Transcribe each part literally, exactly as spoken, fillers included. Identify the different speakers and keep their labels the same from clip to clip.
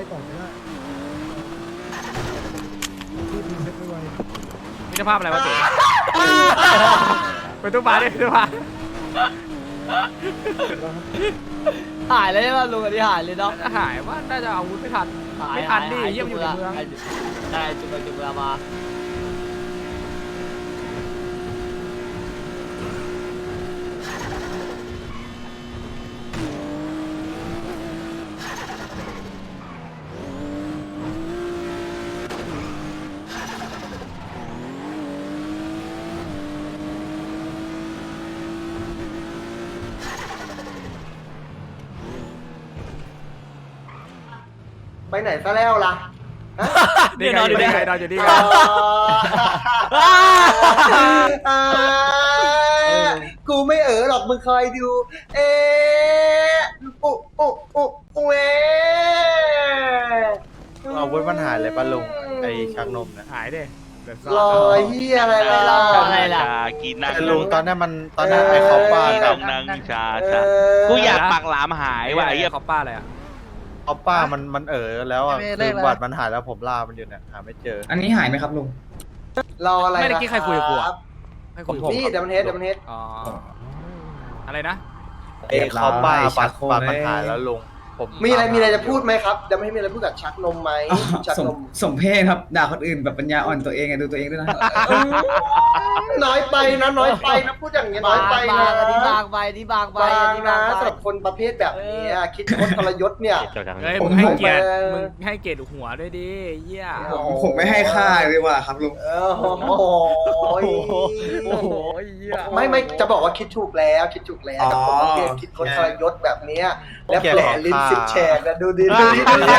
Speaker 1: ก่อนก็ได้ที่ดึงเพชรไปไว
Speaker 2: มิตรภาพอะไรวะเจ๊ไปตู้ปลาดิตู้ปลา
Speaker 3: หายเลยใช่ป่ะลุงอันนี้หายเลยเนาะ
Speaker 2: หายว่าน่าจะอาวุธไม่ทัน
Speaker 3: หาย
Speaker 2: ไม่ทันดิ
Speaker 3: หา
Speaker 2: เยี่ยมอยู่ในเมือง
Speaker 3: ใช่จุดไปจุดมามา
Speaker 4: ไปไหนซะแล้วล่ะ
Speaker 2: นี่ไงอยู่นี่ไงนอนอยู่นี่ไง
Speaker 4: กูไม่เออหรอกมึงคอยดู เอ๊ะอุ๊อุ๊อุ๊อุ๊เอ๊ะ
Speaker 5: อาวุธมันหายเลยปะลุงไอชักนมนะ
Speaker 2: หายดิ
Speaker 4: รอยเฮียอะไรล่ะ
Speaker 3: อะไรล่ะ
Speaker 6: กินนัง
Speaker 5: แต่ลุงตอนนั้นมันตอนนั้นไอเขาป้า
Speaker 6: กิน
Speaker 5: กับ
Speaker 6: นังชา
Speaker 4: เอ
Speaker 6: ชา
Speaker 4: อ
Speaker 6: กูอยากปากหลามหายว่ะไอ้เหี้ย
Speaker 2: เขาป้าอะไรอ่ะ
Speaker 5: เขาป้ามันมันเออแล้วอ่ะคือบัตรมันหายแล้วผมล่ามันอยู่เนี่ยหาไม่เจอ
Speaker 7: อันนี้หายไหมครับลุง
Speaker 4: รออะไร
Speaker 2: ไม่ได้กี้ใครคุยกับกู
Speaker 4: ค
Speaker 2: อ่ะ
Speaker 4: รับ
Speaker 2: ให้คุยกับ
Speaker 4: นี่ดัมเบลเฮดดัมเบลเฮด
Speaker 2: อ๋ออะไรนะ
Speaker 5: ไอเขาป้า
Speaker 7: เรียบร้อย
Speaker 5: บัตร
Speaker 7: ชักโครก
Speaker 5: บัตรมัน
Speaker 7: เลย
Speaker 5: หายแล้วลุงผม
Speaker 4: มีอะไรมีอะไรจะพูดไหมครับดัมเบลเฮดมีอะไรพูดกับชักนมไหมชัก
Speaker 7: สม
Speaker 4: นม
Speaker 7: สมเพศครับด่าคนอื่นแบบปัญญาอ่อนตัวเองไงดูตัวเองด้วยนะ
Speaker 4: อืมน้อยไปนะน้อยไปนะพูดอย่างเงี้ยน้
Speaker 3: บา
Speaker 4: อย
Speaker 3: ง
Speaker 4: ไป
Speaker 3: บา
Speaker 4: นะ
Speaker 3: งอันนี้บางไปอันนี้บางไป
Speaker 4: บา
Speaker 3: อัน
Speaker 4: ง
Speaker 3: นี้
Speaker 4: นะ
Speaker 3: บางไป
Speaker 4: สำหรับคนประเภทแบบนี้อะคิดคดทรยศเนี่ย
Speaker 2: เฮ้ย
Speaker 7: ผ
Speaker 2: มึ
Speaker 7: ม
Speaker 2: งให้เกียรติ
Speaker 4: ผม
Speaker 2: มึงให้เกียรติหัวด้วยดิเยี่ย
Speaker 7: ผมผมไม่ให้ค่าเลยว่ะครับลุง
Speaker 4: เออโอ้โห
Speaker 2: โอ้โหเยี่ย
Speaker 4: ไม่ไม่จะบอกว่าคิดถูกแล้วคิดถูกแล้วกับคนประเภทคิดคดทรยศแบบเนี้ยแล้วแผลลิ้นสิบแฉกนะดูดิดูดิดูดิ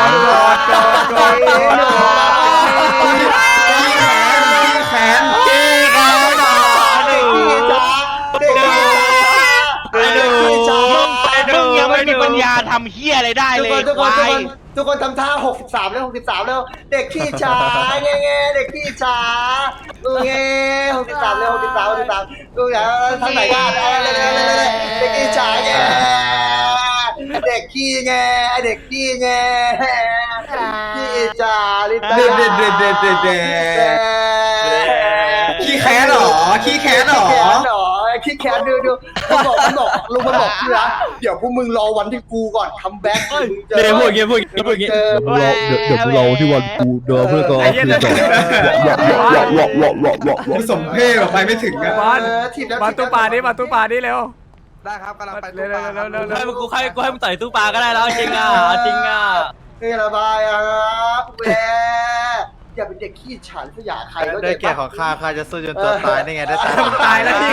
Speaker 7: แขน
Speaker 4: เด็กพี่จ๋าเด็กพี่จ๋า
Speaker 6: ไปดูมึงยังไม่มีปัญญาทำเฮียอะไรได้
Speaker 4: ทุก
Speaker 6: เล
Speaker 4: ค
Speaker 6: ย
Speaker 4: นทุก
Speaker 6: ค
Speaker 4: คน
Speaker 6: วา
Speaker 4: ทุกค
Speaker 6: ย
Speaker 4: นทุกคนทำท่าหกสิบสามแล้วหกสิบสามแล้วเด็กพี่จ๋าแง่แง่เด็กพี่จ๋าแง่หกสิบสามแล้วหกสิบสามหกสิบสามดูอย่างทางไหนกันเด็กพี่จ๋าแง่เด็กพี่แง่เด็กพี่แง่พี่จ๋าลิตา
Speaker 7: เด็ดเด็ดเด็ดเด็ดเด็ดเด็ดขี้แค้นหรอขี้แค้นหรอ
Speaker 4: ขี้แค้นหรอขี้แค้นดูดูมันบอกมันบอกลุงมันบอกพี่นะเดี๋ยวพวกมึงรอวันที่กูก่อนคัมแบ็กมึงเจอ
Speaker 3: เดี๋ยวพูดอย่างเงี้ยพูดอย่างเงี้ยพูดอย่างเงี้ย
Speaker 4: เจอ
Speaker 1: เดี๋ยวเดี๋ยวเราที่วันกูเดินเพื่อก็คือต่อหลอกหลอกหลอกหลอกหลอกหลอก
Speaker 7: สมเพศแบบไปไม่ถึงอะ
Speaker 2: บอล
Speaker 4: เออถีบแล้ว
Speaker 2: มาตู้ปลาดิมาตู้ปลาดิเร็ว
Speaker 5: ได้ครับกำลังไป
Speaker 2: เร็วเร็วเร็วเร็ว
Speaker 3: ให้มึงกูให้กูให้มึงต่อยตู้ปลาก็ได้แล้วจริงอ่ะจริงอ่ะ
Speaker 4: นี่ระบายอ่ะแหวอย่าเป็นเด็กขี้ฉาดขยะใครก็
Speaker 5: ได้
Speaker 4: เด็ก
Speaker 5: แก่ของข้าข้าจะสู้จนตัวตายนี่ไงได้ตาย
Speaker 2: ตายแล้วพี่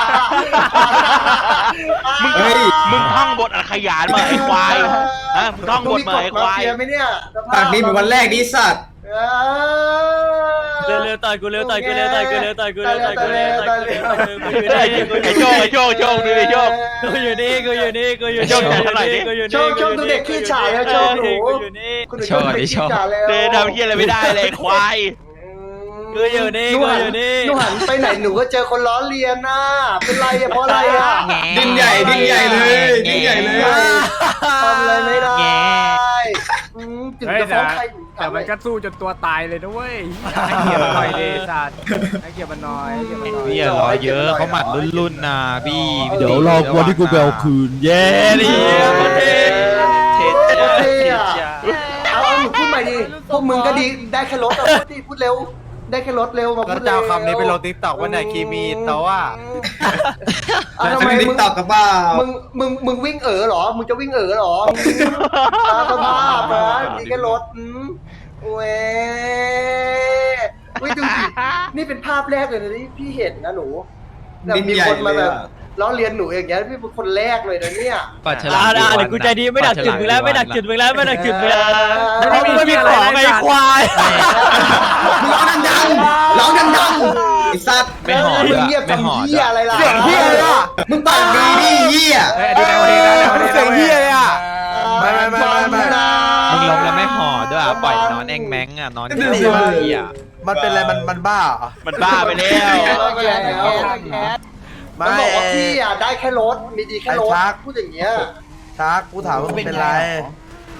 Speaker 6: มึง
Speaker 7: เฮ้ย
Speaker 6: มึงท่องบทอักขยานมาไอ้ควายฮะมึงท่องบทมาไอ้ควาย
Speaker 4: เฟียไหมเนี่ย
Speaker 7: ปากนี้เป็นวันแรกดีสัตว์
Speaker 3: เร็วเร็วต่อยกูเร็วต่อยกูเร็วต่อยกูเร็วต่อยกูเร็วต่อยกูเร็วต่อยกูเร็วกูอยู่
Speaker 6: ไอ้
Speaker 3: นี่กูอยู่
Speaker 6: โช
Speaker 3: นี่
Speaker 6: คไอ้โชคโชคดูดิโชค
Speaker 3: กูอยู่นี่กูอยู่นี่กูอยู่
Speaker 6: โช
Speaker 3: นี่
Speaker 6: คเท่าไหร่ดิ
Speaker 3: กูอยู่
Speaker 4: โช
Speaker 3: นี่
Speaker 4: คโชคดูเด็กขี้ฉาดแล้วโชคหนู
Speaker 3: กูอยู่นี่
Speaker 4: คุณหนูโชคเด็กขี้ฉาดแล้ว
Speaker 6: เดนทำเฮียอะไรไม่ได้เลยไอ้ควาย
Speaker 3: กูอยู่นี่กูอยู่นี่
Speaker 4: หนูหันไปไหนหนูก็เจอคนล้อเลียนน่ะเป็นไรอะเพราะอะไรอะ
Speaker 7: ดิ้นใหญ่ดิ้นใหญ่เลยดิ้นใหญ่เลย
Speaker 4: ทำอะไรไม่ได้อืมถึง
Speaker 2: เฮ้ย
Speaker 4: จะฟ้
Speaker 2: แต่
Speaker 4: องใคร
Speaker 2: แต่มันก็สู้จนตัวตายเลยนะเว้ยให้เกียรติมันหน่อยดิสัตว์ให้เกียรติมันหน่อยให้เกียรติมันหน่อย
Speaker 4: พี่อย่ารอเยอะเขาหมัดรุ่น
Speaker 8: รุ่นนะพี่
Speaker 1: เดี๋ยวรอวันที่กูไปเอาคืน เย้
Speaker 8: ดิ
Speaker 4: เท่เท่อะเอาเอาหนูพูดใหม่ดิพวกมึงก็ดีได้แค่รถอะพูดดิพูดเร็ว ได้แค่รถเร็วมา
Speaker 5: ก็
Speaker 4: พูดเร็ว
Speaker 5: เจ้าคำนี้ไปลงทิกตอกว่าไหนคีมีแต่ว่า
Speaker 4: อ่ะทำ
Speaker 7: อัน
Speaker 4: ไม
Speaker 7: นี้ติ๊
Speaker 4: มึ
Speaker 7: ก
Speaker 4: ง
Speaker 7: ตอกกับเปล่า
Speaker 4: มึงมึงมึงวิ่งเอ๋อเหรอ มึงจะวิ่งเอ๋อเหรอตาสภาพนะมีแค่รถอืมเว้ยเว้ยดูสินี่เป็นภาพแรกเลยนะที่พี่เห็นนะหนูแบบมีคนมาแบบล้อเลียนหนูอย่างเงี้ยพี่เป็นคนแรกเลยนะเนี่ย
Speaker 8: ปัดฉ
Speaker 3: อ่า
Speaker 8: ลาม
Speaker 3: ได้เดี๋ยวกูใจดีไม่ดักจุดมึงแล้วไม่ดักจุดมึงแล้วไม่ดักจุดมึงแล้ว
Speaker 2: ไม่มีที่อะไรไอ้ควาย
Speaker 7: ร้องดังๆร้องดังๆไอ้สัตว์
Speaker 8: ไม่หอด
Speaker 4: มึ
Speaker 8: ด้
Speaker 4: ง
Speaker 8: วย
Speaker 4: เงียบ
Speaker 8: ไม่หอ
Speaker 4: ทำ
Speaker 8: ด
Speaker 4: เหี้ยอะไรล่ะ
Speaker 2: เสียงเหี้ยเลยอะ
Speaker 7: มึงปากดีดิเหี้ย
Speaker 2: เฮ้ยอันนี้ในวันนี้นะในวันนี้
Speaker 1: เสียงเฮียเลยอ่ะ
Speaker 4: ไม่ไม่ไม่ไม่
Speaker 8: มึงลงแล้วไม่หอดด้วยอ่ะปล่อยนอนแองแมงอ่ะนอนที่นี่อ่ะ
Speaker 5: มันเป็นอะไรมันมันบ้าเหรอ
Speaker 6: มันบ้าไปแล้ว
Speaker 4: แกแกมันบอกว่าพี่อ่ะได้แค่รถมีดีแค่รถ
Speaker 5: ไอ้ชัก
Speaker 4: พูดอย่างเงี้ย
Speaker 5: ชักกูถามว่ามึงเป็นไร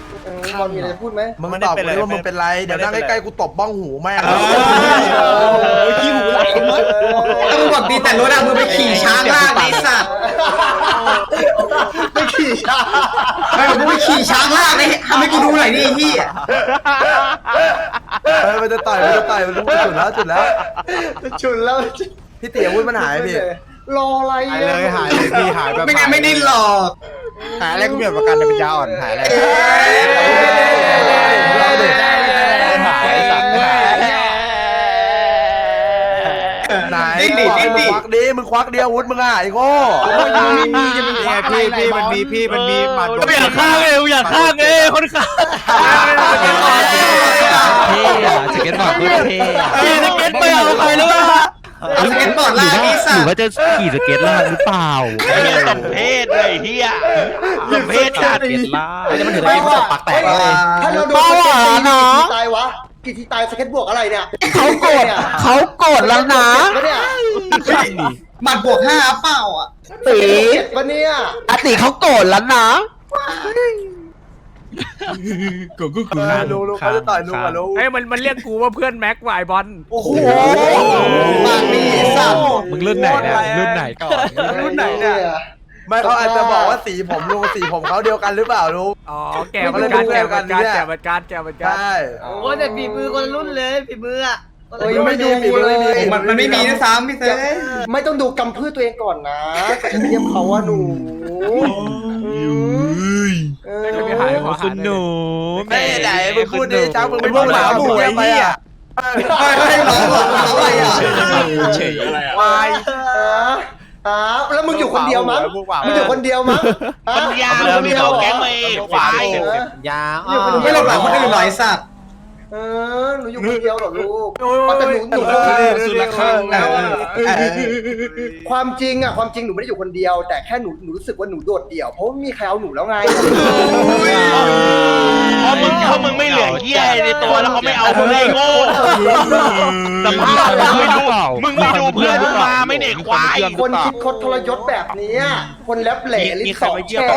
Speaker 4: บอลมีอะไรพูดไหม
Speaker 5: มึงตอบกูดิว่ามึงเป็นไรเดี๋ยวนั่งใกล้ๆกูตบบ้องหูแม่ง
Speaker 7: ขี้หูไหลหมดถ้ามึงบอกดีแต่รถอะมึงไปขี่ช้างลากไอ้สัตว์
Speaker 4: ไม่ขี่ช้า
Speaker 7: ไม่มึงไปขี่ช้างลากเลยทำให้กูดูหน่อยดิพี่
Speaker 5: เออมันจะต่อยมันจะต่อยมันรู้จุดแล้วจุดแล้ว
Speaker 4: ฉุนแล้ว
Speaker 5: พี่เตี๋ยวุ้นมันหายพี่
Speaker 4: รออะไร
Speaker 5: หายเลยหายเลยพี่หายแบบ
Speaker 7: ไม่งั้นไม่ได้หลอก
Speaker 5: หายอะไรกูเปลี่ยนประกันเป็นยาอ่อนหายอะไรเราเด็กหายสัตว์ไหนมึงควักดิมึงควักเดียววุ้นมึงอ่ะไอ้โง่ไม่มีจะเป็นพี่พี่มันมีพี่มันมีหมัด
Speaker 3: ไม่อยากฆ่าเลยอยากฆ่าเลยคนฆ่า
Speaker 8: เท่อะสเก็ตบอร์ดโคตรเท่อะ
Speaker 3: พี่สเก็ตไปเอาใครหรือเปล่า
Speaker 7: เอาสเก็ตบอร์ดลากไอ้สั
Speaker 8: หรื
Speaker 7: ต
Speaker 8: อ
Speaker 7: ว์
Speaker 8: ว่าจะขี่สเก็ตล่างหรือเปล่า
Speaker 6: ไอ้เหี้ยสมเพศเลยเฮียสมเพศจัด
Speaker 8: สเก็ตล่าง
Speaker 5: จะมันถึงไอ้สัตว์ปากแตกเลย
Speaker 4: ถ้าเราโดนสเก็ตตีกี่ทีตายวะกี่ทีตายสเก็ตบวกอะไรเนี่ยเขาโกรธ
Speaker 5: เขาโกรธแล้วนะ
Speaker 4: เนี่ย
Speaker 7: หมัดบวกห้าเปล่าอ่ะ
Speaker 4: ตีเจ็ดปะเนี่ย
Speaker 5: อติเขาโกรธแล้วนะ
Speaker 8: กูกูกู
Speaker 5: รู้รู้เขาจะต่อยรู้อ่ะรู้
Speaker 2: เฮ้ยมันมันเรียกกูว่าเพื่อนแม็กวายบอล
Speaker 5: โอ้โห
Speaker 7: ปากดีสัตว์
Speaker 8: มึงรุ่นไหนเนี่ยรุ่นไหนก่อน
Speaker 4: รุ่นไหนเนี่ย
Speaker 5: ไม่เขาอาจจะบอกว่าสีผมลุงสีผมเขาเดียวกันหรือเปล่าลุง
Speaker 2: อ๋อแกเหมือนกันแกเหมือนกันแกเหมือนกันแกเหมือนกัน
Speaker 5: ใช่
Speaker 4: โอ้แต่ฝีมือคนรุ่นเลยฝีมืออ่ะ
Speaker 5: ไม่ดูเลย
Speaker 7: มันมันไม่มีด้วยซ้ำพี่เต้
Speaker 4: ไม่ต้องดูกำพืชตัวเองก่อนนะจะเทียบเขาว่าหนูเออ
Speaker 2: ไม่หายขอหา
Speaker 8: คุณหนู
Speaker 5: ไม่ไหนมึงพูดดิจ้ามึงเป็นพวกหมาหมูไปอ่ะ
Speaker 7: เฮ้ยเฮ้ยน้องบอกน้องอะไรอ่ะ
Speaker 8: เฉยอะไรอ่ะ
Speaker 5: วาย
Speaker 4: อ่าแล้วมึงอยู่คนเดียวมั้งมึงอยู่คนเดียวมั้ง
Speaker 6: ปัญญาเรามีเราแก๊งมาเองควาย
Speaker 5: ยา
Speaker 7: ไม่หลบหลังคนอื่นหน่อยสัตว์
Speaker 4: เออหนูอยู่คนเดียวหรอลูกแต่หนูหนู
Speaker 5: สุดละครั้งแล้ว
Speaker 4: ความจริงอะความจริงหนูไม่ได้อยู่คนเดียว แต่แค่หนูหนูรู้สึกว่าหนูโดดเดี่ยวเพราะไม่มีใครเอาหนูแล้วไง
Speaker 6: เพราะมึงเพราะมึงไม่เหลือเฮียในตัวแล้วเขาไม่เอามึงเลยโง่สภาพมึงไม่ดูมึงไม่ดูเพื่อนมึงมาไม่เด็กควาย
Speaker 4: คนคิดคดทรยศแบบนี้คนแลบเหล่ลิ้นสองแฉก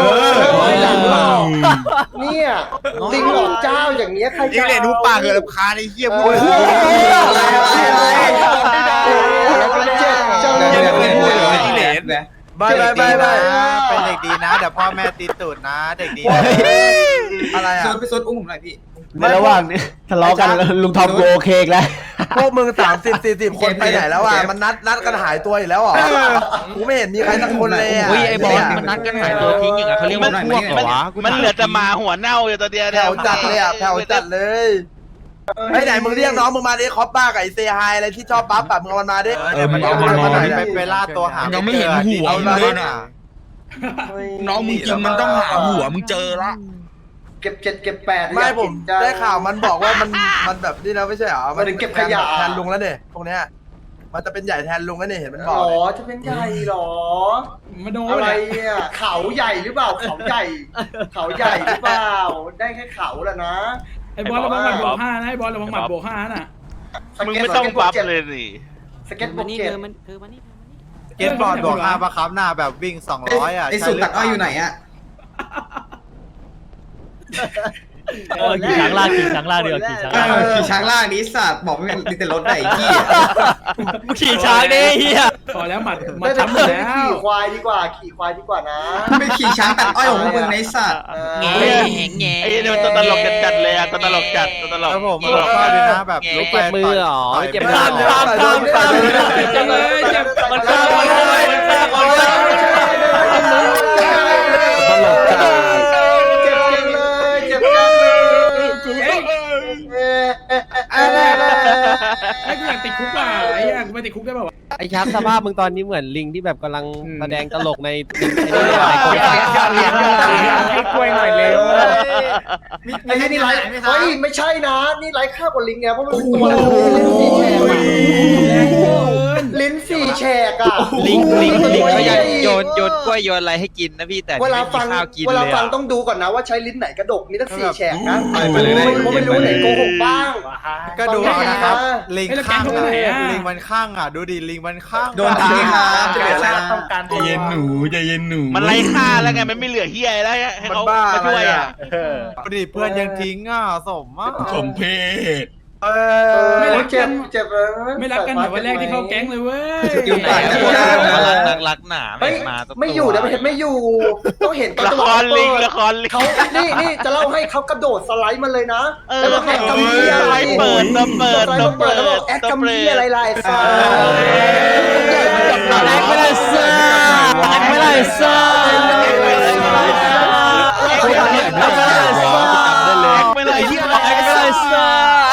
Speaker 4: เนี่ยลิงหลอกเจ้าอย่างเนี้ยใครจะเอา
Speaker 5: รู้ปากเกิดรำคาญไอ้เหี้ยพูด
Speaker 4: อะไรอะไรเจ็บจังเลย
Speaker 5: ไม่ไม่ไม่ไม่
Speaker 9: เป็นเด็กดีนะเดี๋ยวพ่อแม่ตีตูดนะเด็กดี
Speaker 5: อะไรอ่ะ
Speaker 7: โซนไปโซนอุ้มผมหน่อยพี่
Speaker 5: ในระหว่างนี้ทะเลาะกันลุงทอมโกโอเคแล้วพวกมึงสามสิบสี่สิบคนไปไหนแล้วอ่ะมันนัดนัดกันหายตัวอีกแล้วอ่ะกูไม่เห็นมีใครสักคนเลยอ่ะ
Speaker 8: อุ้ยไอ้บอลมันนัดกันหายตัวทิ้งอย่างเงี้ยเขาเรียกว่าพวกเหรอวะ
Speaker 6: มันเหลือแต่หมาหัวเน่าอยู่ตัวเดียว
Speaker 5: แถวจัดเลยอ่ะแถวจัดเลยไอ้ไหนมึงเรียกน้องมึงมาดิคอปบ้ากับไอเซฮายอะไรที่ชอบปั๊บแบบมึงเอามันมาดิ
Speaker 9: เออมันเอามาหน่อยไปไปล่าตัวหายังไม่เห็นหัวมันเลยน่ะน้องมึงกินมันต้องหาหัวมึงเจอละ
Speaker 4: เก็บเจ็ดเก็บแปด
Speaker 5: ไม่ผมได้ข่าวมันบอกว่ามันมันแบบนี่นะไม่ใช่เหรอมันแทนลุงแล้วเนี่ยพวกเนี้ยมันจะเป็นใหญ่แทนลุงแล้วเนี่ยเห็นมันบอก
Speaker 4: อ๋อจะเป็นใหญ่หรออะไรเนี่ยเขาใหญ่หรือเปล่าเขาใหญ่ เขาใหญ่หรือเปล่าได้แค่เขาแหละนะ
Speaker 10: ไอ้บอลระวังหมัดบวกห้านะไอ้บอลระวังหมัดบวกห้าน่ะ
Speaker 6: มึงไม่ต้องบัฟเลยสิ
Speaker 4: สเก็ตบวกเจ็ด
Speaker 9: เก็ตบอร์ดบวกห้าปะครับหน้าแบบวิ่งสองร้อยอ่ะ
Speaker 7: ไอ้สุดตัดอ้อยอยู่ไหนอ่ะ
Speaker 3: ขี่ช้างลากขี่ช้างลากเดียวขี่ช้างลาก
Speaker 7: ขี่ช้างลากนี้สัตว์บอกไม่เป็นดิแต่รถไหนพี่
Speaker 3: ขี่ช้างดิเฮีย
Speaker 10: พอแล้วหมัดหมั
Speaker 4: ไม่
Speaker 10: ด
Speaker 4: เป็น
Speaker 10: ช้ำหม
Speaker 4: ไร
Speaker 10: ดแล้ว
Speaker 4: ขี่ควายดีกว่า ขี่ควายดีกว่านะ
Speaker 7: ไม่ขี่ช้างตัดอ้อยของมึงในสัตว์
Speaker 3: แง่แง่
Speaker 6: ไอ้เนี่ยตัวตลกจัดเลยอ่ะตัวตลกจัดตัวตลก
Speaker 9: แล้วผมบอกว่าเลยนะแบบลุกไป
Speaker 8: เจ็บมือเหรอเจ็บมือ
Speaker 3: ข้ามข้ามข้ามข้ามจังเลยเจ็บมันข้ามมันข้ามมันข้ามมันข้าม
Speaker 5: ตลกจัด
Speaker 4: เจ็บจังเลยเจ็บจังเลยเอ๊ะเอ๊ะเอ๊ะเอ๊ะ
Speaker 10: ไอ้กูอยากติดคุกอ่ะไอ้เหี้ยกูไม่ติดคุกได้ป่าวะ
Speaker 8: ไอ้ชักสภาพมึงตอนนี้เหมือนลิงที่แบบกำลังแสดงตลกในใน
Speaker 2: ให้กล้วยหน่อยเร็ว
Speaker 4: ไอ้นี่ไรเฮ้ยไม่ใช่นะ นี่ไรค่ากว่าลิงไงเพราะมันเป็นตัวอะไรสีแฉก
Speaker 10: แรงเกิน
Speaker 4: ลิ้นสี่แฉกอ่ะ
Speaker 8: ลิงลิงลิงเขายังโยนโยนกล้วยโยนอะไรให้กินนะพี่แต่
Speaker 4: เวลา
Speaker 8: ไม่มี
Speaker 4: ฟัง
Speaker 8: ข้าวกิน
Speaker 4: เว
Speaker 8: เล
Speaker 4: ลาย ฟัง
Speaker 8: อะ
Speaker 4: ต้องดูก่อนนะว่าใช้ลิ้นไหนกระดกมีตั้งสี่แฉกนะ
Speaker 7: ไปเลย
Speaker 4: ไม่รู้ไม่รู้ไหนโกหกบ้าง
Speaker 10: ก็ดูเอานะครับ
Speaker 2: ลิงข้างไหนอะลิงมัน
Speaker 7: โดนทิ้งครับ
Speaker 3: ต้องการ
Speaker 9: ใจเย็นหนูใจเย็นหนู
Speaker 6: มันไร้ค่าแล้วไงมันไม่เหลือเฮียแล้วให้เขามาช่วยอ่ะ
Speaker 2: เพื่อนยังทิ้งอ่ะสมอ่ะ
Speaker 9: สมเพศ
Speaker 4: เออ
Speaker 10: ไม่รัก
Speaker 4: เจ็
Speaker 10: กับ น
Speaker 4: เจ็บเลย
Speaker 10: ไม่รักกันเหมือนวันแรกที่เข้าแก๊งเลยเว้ย
Speaker 7: อยู่
Speaker 8: ไหน
Speaker 7: ปาก
Speaker 8: อะ
Speaker 7: จะ
Speaker 8: พวก
Speaker 7: ได้
Speaker 8: เรารักนักรักหนา
Speaker 4: เฮ้ย
Speaker 8: มาตัว
Speaker 4: ไม่อยู่นะไม่เห็นไม่อยู่ต้องเห็นตอน
Speaker 6: ละ
Speaker 4: จัง
Speaker 6: ค
Speaker 4: หวะ
Speaker 6: รลิง
Speaker 4: เปิด
Speaker 6: ละครลิง
Speaker 4: เขานี่นี่จะเล่าให้เขากระโดดสไลด์มาเลยนะ
Speaker 6: เออ
Speaker 4: แล้วบอกแอดกัมเบีย
Speaker 6: สไลด์เปิดตัวเปิด
Speaker 4: สไลด์
Speaker 6: ตัว
Speaker 4: มาเปิ
Speaker 6: เปิ
Speaker 4: ด
Speaker 6: ด
Speaker 4: แล้วบอกแอดกัมเบียอะไรล่ะไอ้ฟ้า
Speaker 8: แอกไม่ได้ซ่าแอกไม่ได้ซ่าแอกไม่ได้ซ่า
Speaker 6: ไม่เลยเฮีย
Speaker 8: แอกไม่ได้ซ่า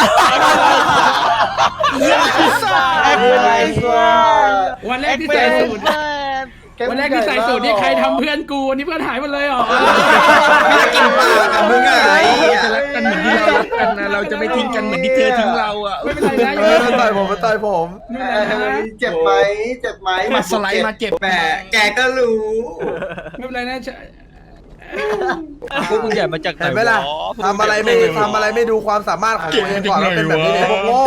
Speaker 6: แอคไม่เลย
Speaker 10: วันแรกที่ใส่สูตรวันแรกที่ใส่สูตรนี่ใครทำเพื่อนกูนี่เพื่อนหายหมดเลยเหรอ
Speaker 7: ไม่กินปากกับมึงไง
Speaker 9: จะรักกันเหมือนที่เรารักกันนะเราจะไม่ทิ้งกันเหมือนที่เธอทิ้งเราอ่ะ
Speaker 10: ไม่เป็นไรนะ
Speaker 5: เออมันต่อยผมมันต่อยผม
Speaker 10: ไม่เป็นไรนะ
Speaker 4: เจ็บไหมเจ็บไหม
Speaker 9: มาสไลด์มาเจ็บ
Speaker 7: แหมแกก็รู้
Speaker 10: ไม่เป็นไรนะ
Speaker 8: พวกมึงใหญ่มาจากไหน
Speaker 5: เห็นไหมล่ะทำอะไรไม่ทำอะไรไม่ดูความสามารถของตัวเองก่อนแล้วเป็นแบบนี้เลยพวกโง่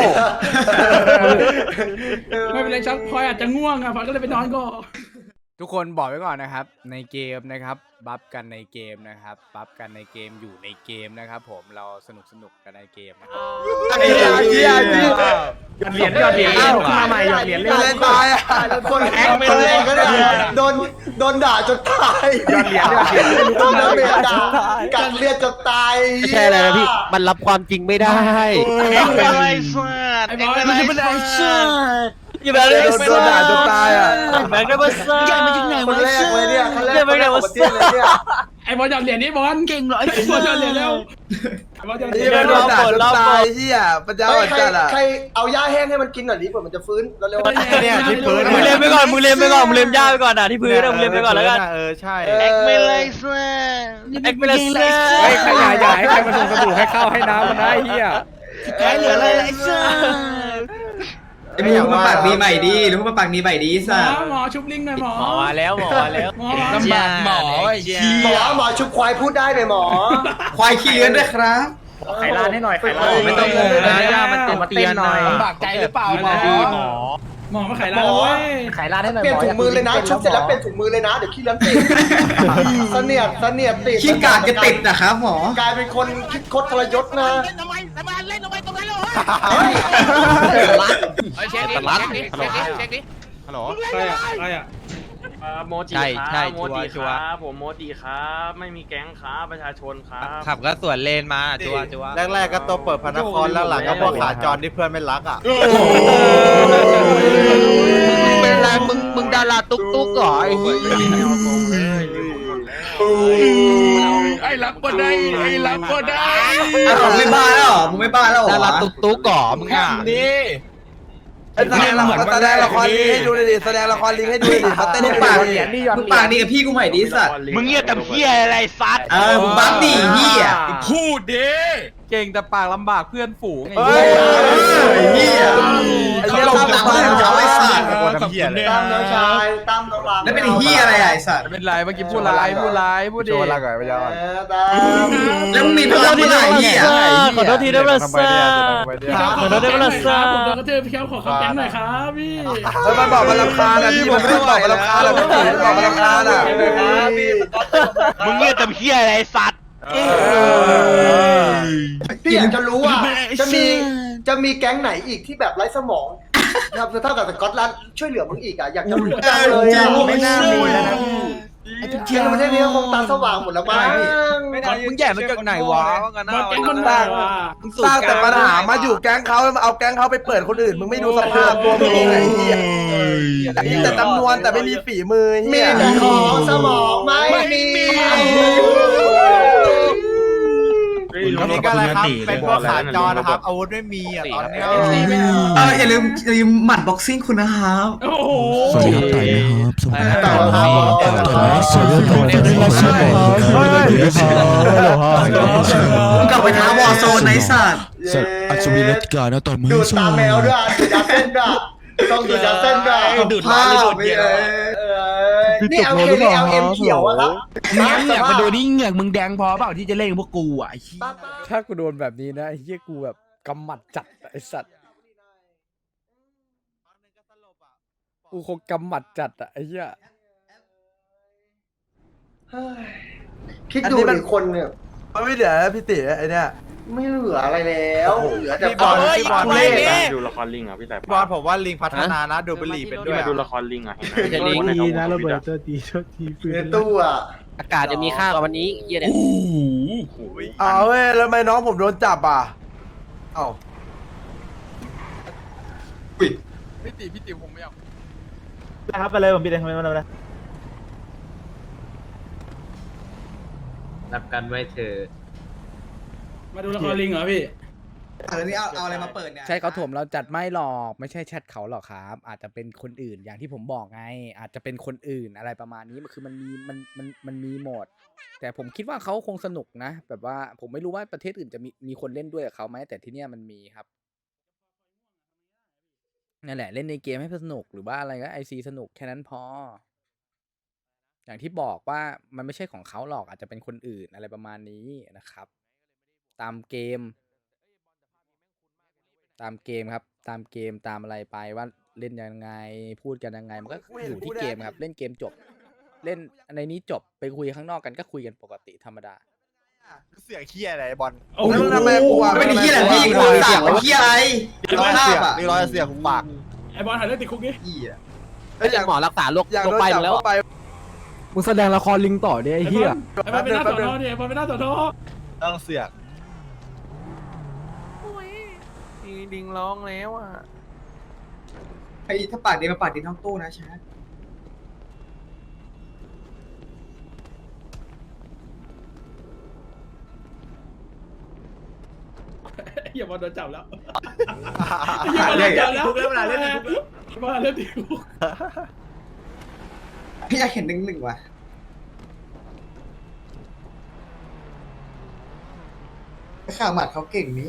Speaker 10: ไม่เป็นไรชักพลอยอาจจะง่วงอ่ะพลอยก็เลยไปนอนก่อน
Speaker 2: ทุกคนบอกไว้ก่อนนะครับในเกมนะครับบัฟกันในเกมนะครับบัฟกันในเกมอยู่ในเกมนะครับผมเราสนุกสนุกกันในเกมนะครับ
Speaker 5: ไอ้เหี้ยไอ้เหี้ยไอ้เหี้ย
Speaker 3: เหรียญยอดเหรียญมาใหม่ยอดเหรียญ
Speaker 5: เล่นตายอ่ะ
Speaker 4: คนแอคคนเล่นก็ได้โดนโดนด่าจนตายโดนน้ำเมียด่ากัดเลือดจนตาย
Speaker 8: ไม่ใช่อะไรนะพี่มันรับความจริงไม่ได้
Speaker 6: แอคไม่เลยสัตว์
Speaker 10: ไอ้
Speaker 6: แอบ ค
Speaker 10: อย
Speaker 6: ไม่
Speaker 10: มัน
Speaker 6: เล
Speaker 10: จะ
Speaker 6: ย
Speaker 10: เป็น
Speaker 6: สั
Speaker 10: ไอ้
Speaker 6: ตว์
Speaker 10: เชี่ย
Speaker 8: อย่าไปเลย
Speaker 5: โดนโดนด่าจนตายอ่ะ
Speaker 8: แบงค์ได้มาซ่า
Speaker 4: คนแรกเลยเนี่ยคนแรกคนแรกของประเทศเลยเนี่ย
Speaker 10: ไอ้บอลหยอดเหรียญนี่บอลเก่งเหรอไอ้บอลหยอดเหรียญแล้วไอ้บอลหยอดเหรีย
Speaker 5: นี่
Speaker 10: ญ
Speaker 5: มันโดนด่าจนตายเหี้ยปัญญา
Speaker 4: เฮ้
Speaker 5: อ่
Speaker 4: ย
Speaker 5: อน
Speaker 4: ใคร
Speaker 5: จัดอ่ะ
Speaker 4: ใครเอาหญ้าแห้งให้มันกินหน่อยดิเผื่อมันจะฟื้นเร็วๆ
Speaker 10: เนี่ยที่พื้น
Speaker 8: มึงเล่นไปก่อนมึงเล่นไปก่อนมึงเล่นย่าไปก่อนอ่ะที่พื้นมึงเล่นไปก่อนแล้วกัน
Speaker 2: เออใช่
Speaker 6: แอคไม่เลยสัตว์
Speaker 8: แอกไม่ได้ซ่า
Speaker 2: เฮ้ยใครอย่าอย่าให้ใครมาส่งสบู่ให้เข้าให้น้ำมันได้เฮีย
Speaker 8: แกเหลืออะไรไอ้ซ่า
Speaker 7: ไอ้มึงมาปากดีใหม่ดีหรือมาปากดีใหม่ดี
Speaker 10: หม
Speaker 7: สั
Speaker 10: อ
Speaker 7: ส
Speaker 10: หมอชุบลิงหน่อยหมอ
Speaker 3: หมอมาแล้วหมอมาแล้ว
Speaker 10: หมอ
Speaker 9: ลำบากหมอไอ้เหี้
Speaker 4: หมอย หมอชุบควายพูดได้ไหมหมอ
Speaker 7: ควายขี้เลื้อนด้วยครับ
Speaker 3: ไข่ร้านให้หน่อยไข่ร้าน
Speaker 8: ไม่ต้องงงนะย่ามันเต้นเตียนหน่อย
Speaker 9: ลำบากใจหรือเปล่าหมอ
Speaker 8: หมอ
Speaker 10: หมอมาขายร้านแล้วเว้ย
Speaker 3: ไข่ร้านให้หน่อย
Speaker 4: เปลี่ยนถุงมือเลยนะชุบเสร็จแล้วเปลี่ยนถุงมือเลยนะเดี๋ยวขี้เลื้อนติดเสนียดเสนียดติด
Speaker 7: ขี้กากจะติดนะครับหมอก
Speaker 4: ลายเป็นคนคิดคดทรยศนะ
Speaker 6: เล่นทำไมทำไมเล่นทำไมตรงนั้นเลย
Speaker 4: เฮ้ย
Speaker 6: เช็คดิเช็คดิเช็คดิเช็คดิฮัลโหล
Speaker 10: ใครอ่ะใครอ่ะ
Speaker 3: โมจิ
Speaker 8: ใช่
Speaker 3: ค
Speaker 8: ใช่
Speaker 3: รับโมจิ
Speaker 8: ชั
Speaker 3: คว
Speaker 8: ร์
Speaker 3: รับผมโมจิครับไม่มีแก๊งครับประชาชนครับ
Speaker 8: ขับก็สวนเลนมาจัวจัว
Speaker 2: แรกๆก็ตัวเปิดพนักงานแล้วหลังก็พวกขาจรที่เพื่อนไม่รักอ่ะ
Speaker 8: มึงเป็นไรมึงมึงดาราตุ๊กตุ๊กเหรอไอ้เหี้ย
Speaker 9: ไอ้รับก็ได้ไอ้รับก็ได้
Speaker 7: อ่ะมึงไม่บ้าแล้วเหรอมึงไม่บ้าแล้วเหรอ
Speaker 8: ดาราตุ๊กตุ๊กเหรอมึงอ่ะ
Speaker 9: นี่
Speaker 5: แสดงละครแสดงละครลิงให้ดูดิแสดงละครลิงให้ดูดิเขาเต้น
Speaker 7: มึง
Speaker 5: ให้
Speaker 7: ปาก
Speaker 5: ดู
Speaker 7: ดี
Speaker 5: ดิ
Speaker 7: มึงปากดีกับพี่กูใหม่ดีสัตว์
Speaker 6: มึงเงียบแต่เฮียอะไรสัตว์
Speaker 7: เออมึงบัฟดิเหี้ย
Speaker 9: พูดดิ
Speaker 8: เก่งแต่ปากลำบากเพื่อนฝูงไง
Speaker 5: เฮ้ย
Speaker 7: เหี้ย
Speaker 5: ไอ้
Speaker 7: เขา
Speaker 5: เหี้ย
Speaker 7: ลง
Speaker 5: ตาม
Speaker 7: ตาม
Speaker 5: บ้าน
Speaker 7: เขา
Speaker 5: เขา
Speaker 7: ไอ้
Speaker 5: ไอ้
Speaker 7: สั
Speaker 5: สั
Speaker 7: ต
Speaker 5: ต
Speaker 7: ว์
Speaker 5: ว์
Speaker 9: ทำเหี้ยอะไร
Speaker 4: ตามน้องชายตามน้องหลัง
Speaker 7: แล้วเป็นไอ้เหี้ยอะไรอ่ะไอ้สัตว์
Speaker 8: เป็นไรเมื่อกี้พูดอะไรพูดอะไรพูดดิ
Speaker 4: เออตาม
Speaker 7: แล้วมึงมีพลังเมื่อไหร่เหี้ย
Speaker 8: ขอโทษทีนะบรัสซ่า ขอโทษด้วยนะ
Speaker 10: ผมโดนกระเทือพี่เขาขอคำแก๊งหน่อยครับพี่
Speaker 5: เออมันบอกมันรำคาญอ่ะพี่มันไม่ได้บอกมันรำคาญหรอกพี่มันบอกมันรำคาญอ่ะ
Speaker 6: มึงเงียบแต่เฮียอะไรสัตว์
Speaker 4: พี่อยากจะรู้ว่าจะมีจะมีแก๊งไหนอีกที่แบบไร้สมองนะครับเท่ากับสกอตแลนด์ช่วยเหลือมึงอีกอ่ะอยากจะรู้จังเลยอ่ะไม่น่ามีแล้วนะเชียงประเทศนี้ก็คงตาสว่างหมดแล้วมั้ง
Speaker 8: มึงแย่มาจากไหนวะว่ากันนะ
Speaker 10: บอลแก๊งมันบ้าว่ะ
Speaker 5: สร้างแต่ปัญหามาอยู่แก๊งเขาแล้วมาเอาแก๊งเขาไปเปิดคนอื่นมึงไม่ดูสภาพตัวมึงเองไอ้เหี้ยมีแต่จำนวนแต่ไม่มีฝีมือ
Speaker 4: มี
Speaker 5: เหี้ย
Speaker 4: แต่ของสมองไม่มี
Speaker 2: นี่ก็อะไรครับเป็นพวกขาจรนะครับอาวุธไม่มีอ่ะตอนนี้
Speaker 7: เอออย่าลืมอย่าลืมหมัดบ็อกซิ่งคุณนะครับ
Speaker 10: โอ้โห
Speaker 1: สวัสดีครับต่อยไหมครับสวัสดีครับต่อยไหมต่อยไหมสวัสดีครับต่อยไหมสวัสดีครับ
Speaker 7: มึงกลับไปท้าวอร์โซนไอ้สัตว์
Speaker 1: อัศวินรัตติกานะต่อยมือ
Speaker 4: ดูดตาแมวด้วยดูดตาเส้นด้วยต้องอยู่จากเส้นแบบดูดผ้าไปเลยนี่เอาเคนี่เอาเอ็มเขียวอะครับ
Speaker 9: เหงือกมาดูนี่เหงือกมึงแดงพอเปล่าที่จะเล่นพวกกูอ่ะไอ้เหี้ย
Speaker 2: ถ้ากูโดนแบบนี้นะไอ้เหี้ยกูแบบกำหมัดจัดไอ้สัตว์กูคงกำหมัดจัดอะไอ้เหี้ย
Speaker 4: คิดดูดิคนเนี่ย
Speaker 5: มันไม่เหลือพี่ติไอเนี่ย
Speaker 4: ไม่เหลืออะไรแล้วเหลือแต่
Speaker 8: พี่บอลพี่บอล
Speaker 4: เล่น
Speaker 8: ดูละครลิงอ่ะพี่แต่
Speaker 6: บอลผมว่าลิงพัฒนานะดูบุหรี่เป็นด้วย
Speaker 8: มาดูละครลิงอ่ะเห็นไหม
Speaker 3: จะลิง
Speaker 8: ดีนะระเบิด
Speaker 4: ในตู้อ่ะ
Speaker 3: อากาศจะมีค่ากว่าวันนี้เยี่ยเนี่ย
Speaker 5: เอาเว้ยแล้วทำไมน้องผมโดนจับอ่ะเอ้า
Speaker 9: พี่ติพี่ติผมไม่เอา
Speaker 3: ครับไปเลยผมปิดเลยทำไมมันอะไรรับกันไว้เธอ
Speaker 10: มาดูละครลิงเหรอพี่
Speaker 7: เออนี่เอาเอาอะไรมาเปิดเนี่ย
Speaker 2: ใช่เขาถมเราจัดไม่หรอกไม่ใช่แชทเขาหรอกครับ อาจจะเป็นคนอื่นอย่างที่ผมบอกไง อาจจะเป็นคนอื่นอะไรประมาณนี้มันคือมันมีมันมันมันมีหมด แต่ผมคิดว่าเขาคงสนุกนะ แบบว่าผมไม่รู้ว่าประเทศอื่นจะมีมีคนเล่นด้วยกับเขาไหมแต่ที่เนี้ยมันมีครับนั่นแหละเล่นในเกมให้สนุกหรือว่าอะไรก็ไอซีสนุกแค่นั้นพอ อย่างที่บอกว่ามันไม่ใช่ของเขาหรอกอาจจะเป็นคนอื่นอะไรประมาณนี้นะครับ ตามเกม ตามเกมครับ ตามเกมตามอะไรไปว่าเล่นยังไงพูดกันยังไงมันก็อยู่ที่เกมครับ เล่นเกมจบ เล่นในนี้จบไปคุยข้างนอกกันก็คุยกันปกติธรรมดา
Speaker 6: เสียงเคี้ยอะไรบอล
Speaker 10: โอ้โห
Speaker 5: แล้วทำไมกูอ่ะ
Speaker 7: ไม่ได้เหี้ยอะไรพี่กูสั่งเหี้ยอะไร
Speaker 6: ร้อย
Speaker 7: ภา
Speaker 6: เสี
Speaker 7: พ
Speaker 6: ยง
Speaker 7: อ่ะ
Speaker 6: นี่ร้อยเสียงปาก
Speaker 10: ไอบอลหายเรื่องติดคุกนี่
Speaker 7: เหี้ย
Speaker 5: เอ้ยอยาก
Speaker 3: หมอรักษาโรค
Speaker 5: อยาก
Speaker 3: โร
Speaker 5: โด
Speaker 3: คน ไป
Speaker 5: จับ
Speaker 3: แล้ว
Speaker 5: เข้าไป
Speaker 1: มึงแสดงละครลิงต่อดิไอ้เหี้ย
Speaker 10: ไอบอลเป็นหน้าสอนอเนี่ยไอบอลเป็นหน้าสอนอ
Speaker 6: ต้องเสียง
Speaker 3: ลิงร้องแล้วอ่ะ
Speaker 7: ไอ้ถ้าปากดีมาปากดีน้องตู้นะชาร์
Speaker 10: อย่าบอลโดนจับแล้วอย่าบอลโดนจับแล้วเล่นเวลาเล่นติดคุกบอลเล่นติดคุก
Speaker 7: พี่อยากเห็นหนึ่งหนึ่งว่ะข่าวหมัดเขาเก่งนี้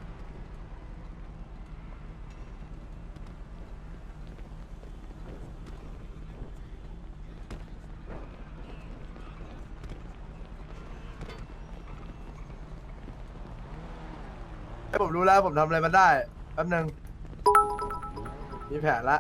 Speaker 5: ผมรู้แล้วผมทำอะไรมันได้แป๊บนึงมีแผนละ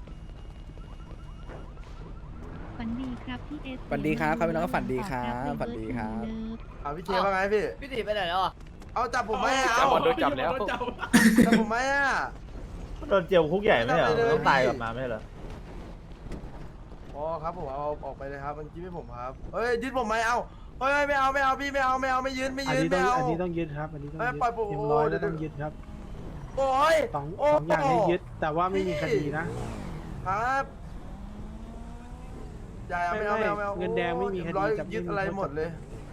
Speaker 11: ฝันดีครับพี่เอส
Speaker 2: ฝันดีครับครับพี่น้องก็ฝันดีครับฝันดีครับ
Speaker 5: เอาพี่เทียว่าไงพี่
Speaker 3: พี่ติไปไหนแล้วอ่ะ
Speaker 5: เอาจับผมไหมเอา
Speaker 3: จับบอลโดนจับแล้ว
Speaker 5: จับผมไหมอ่ะ
Speaker 3: โดนเจียวคุกใหญ่ไม่เหรอ
Speaker 5: ไม่ได้เลย
Speaker 3: ต้องตายกลับมาไม่เหรอ
Speaker 5: อ๋อครับผมเอาออกไปเลยครับมันยึดให้ผมครับเฮ้ยยึดผมไหมเอาเฮ้ยไม่เอาไม่เอาพี่ไม่เอาไม่เอาไม่ยืนไม่ยืนไม่เอา
Speaker 1: อันนี้ต้องยึดครับอันนี้ต้อง
Speaker 5: เอ้ย
Speaker 1: ยึด
Speaker 5: ปล่อยผม
Speaker 1: เอ็มร้อยแล้วต้องยึดครับ
Speaker 5: โอ้ย
Speaker 1: สอง
Speaker 5: โอ้
Speaker 1: สองอย่างให้ยึดแต่ว่าไม่มีคดีนะ
Speaker 5: ครับอย่าไม่เอาไม่เอาไม่เอา
Speaker 1: เงินแดงไม่มีคดี
Speaker 5: ร้อย
Speaker 1: จับ
Speaker 5: ยึดอะไรหมดเลย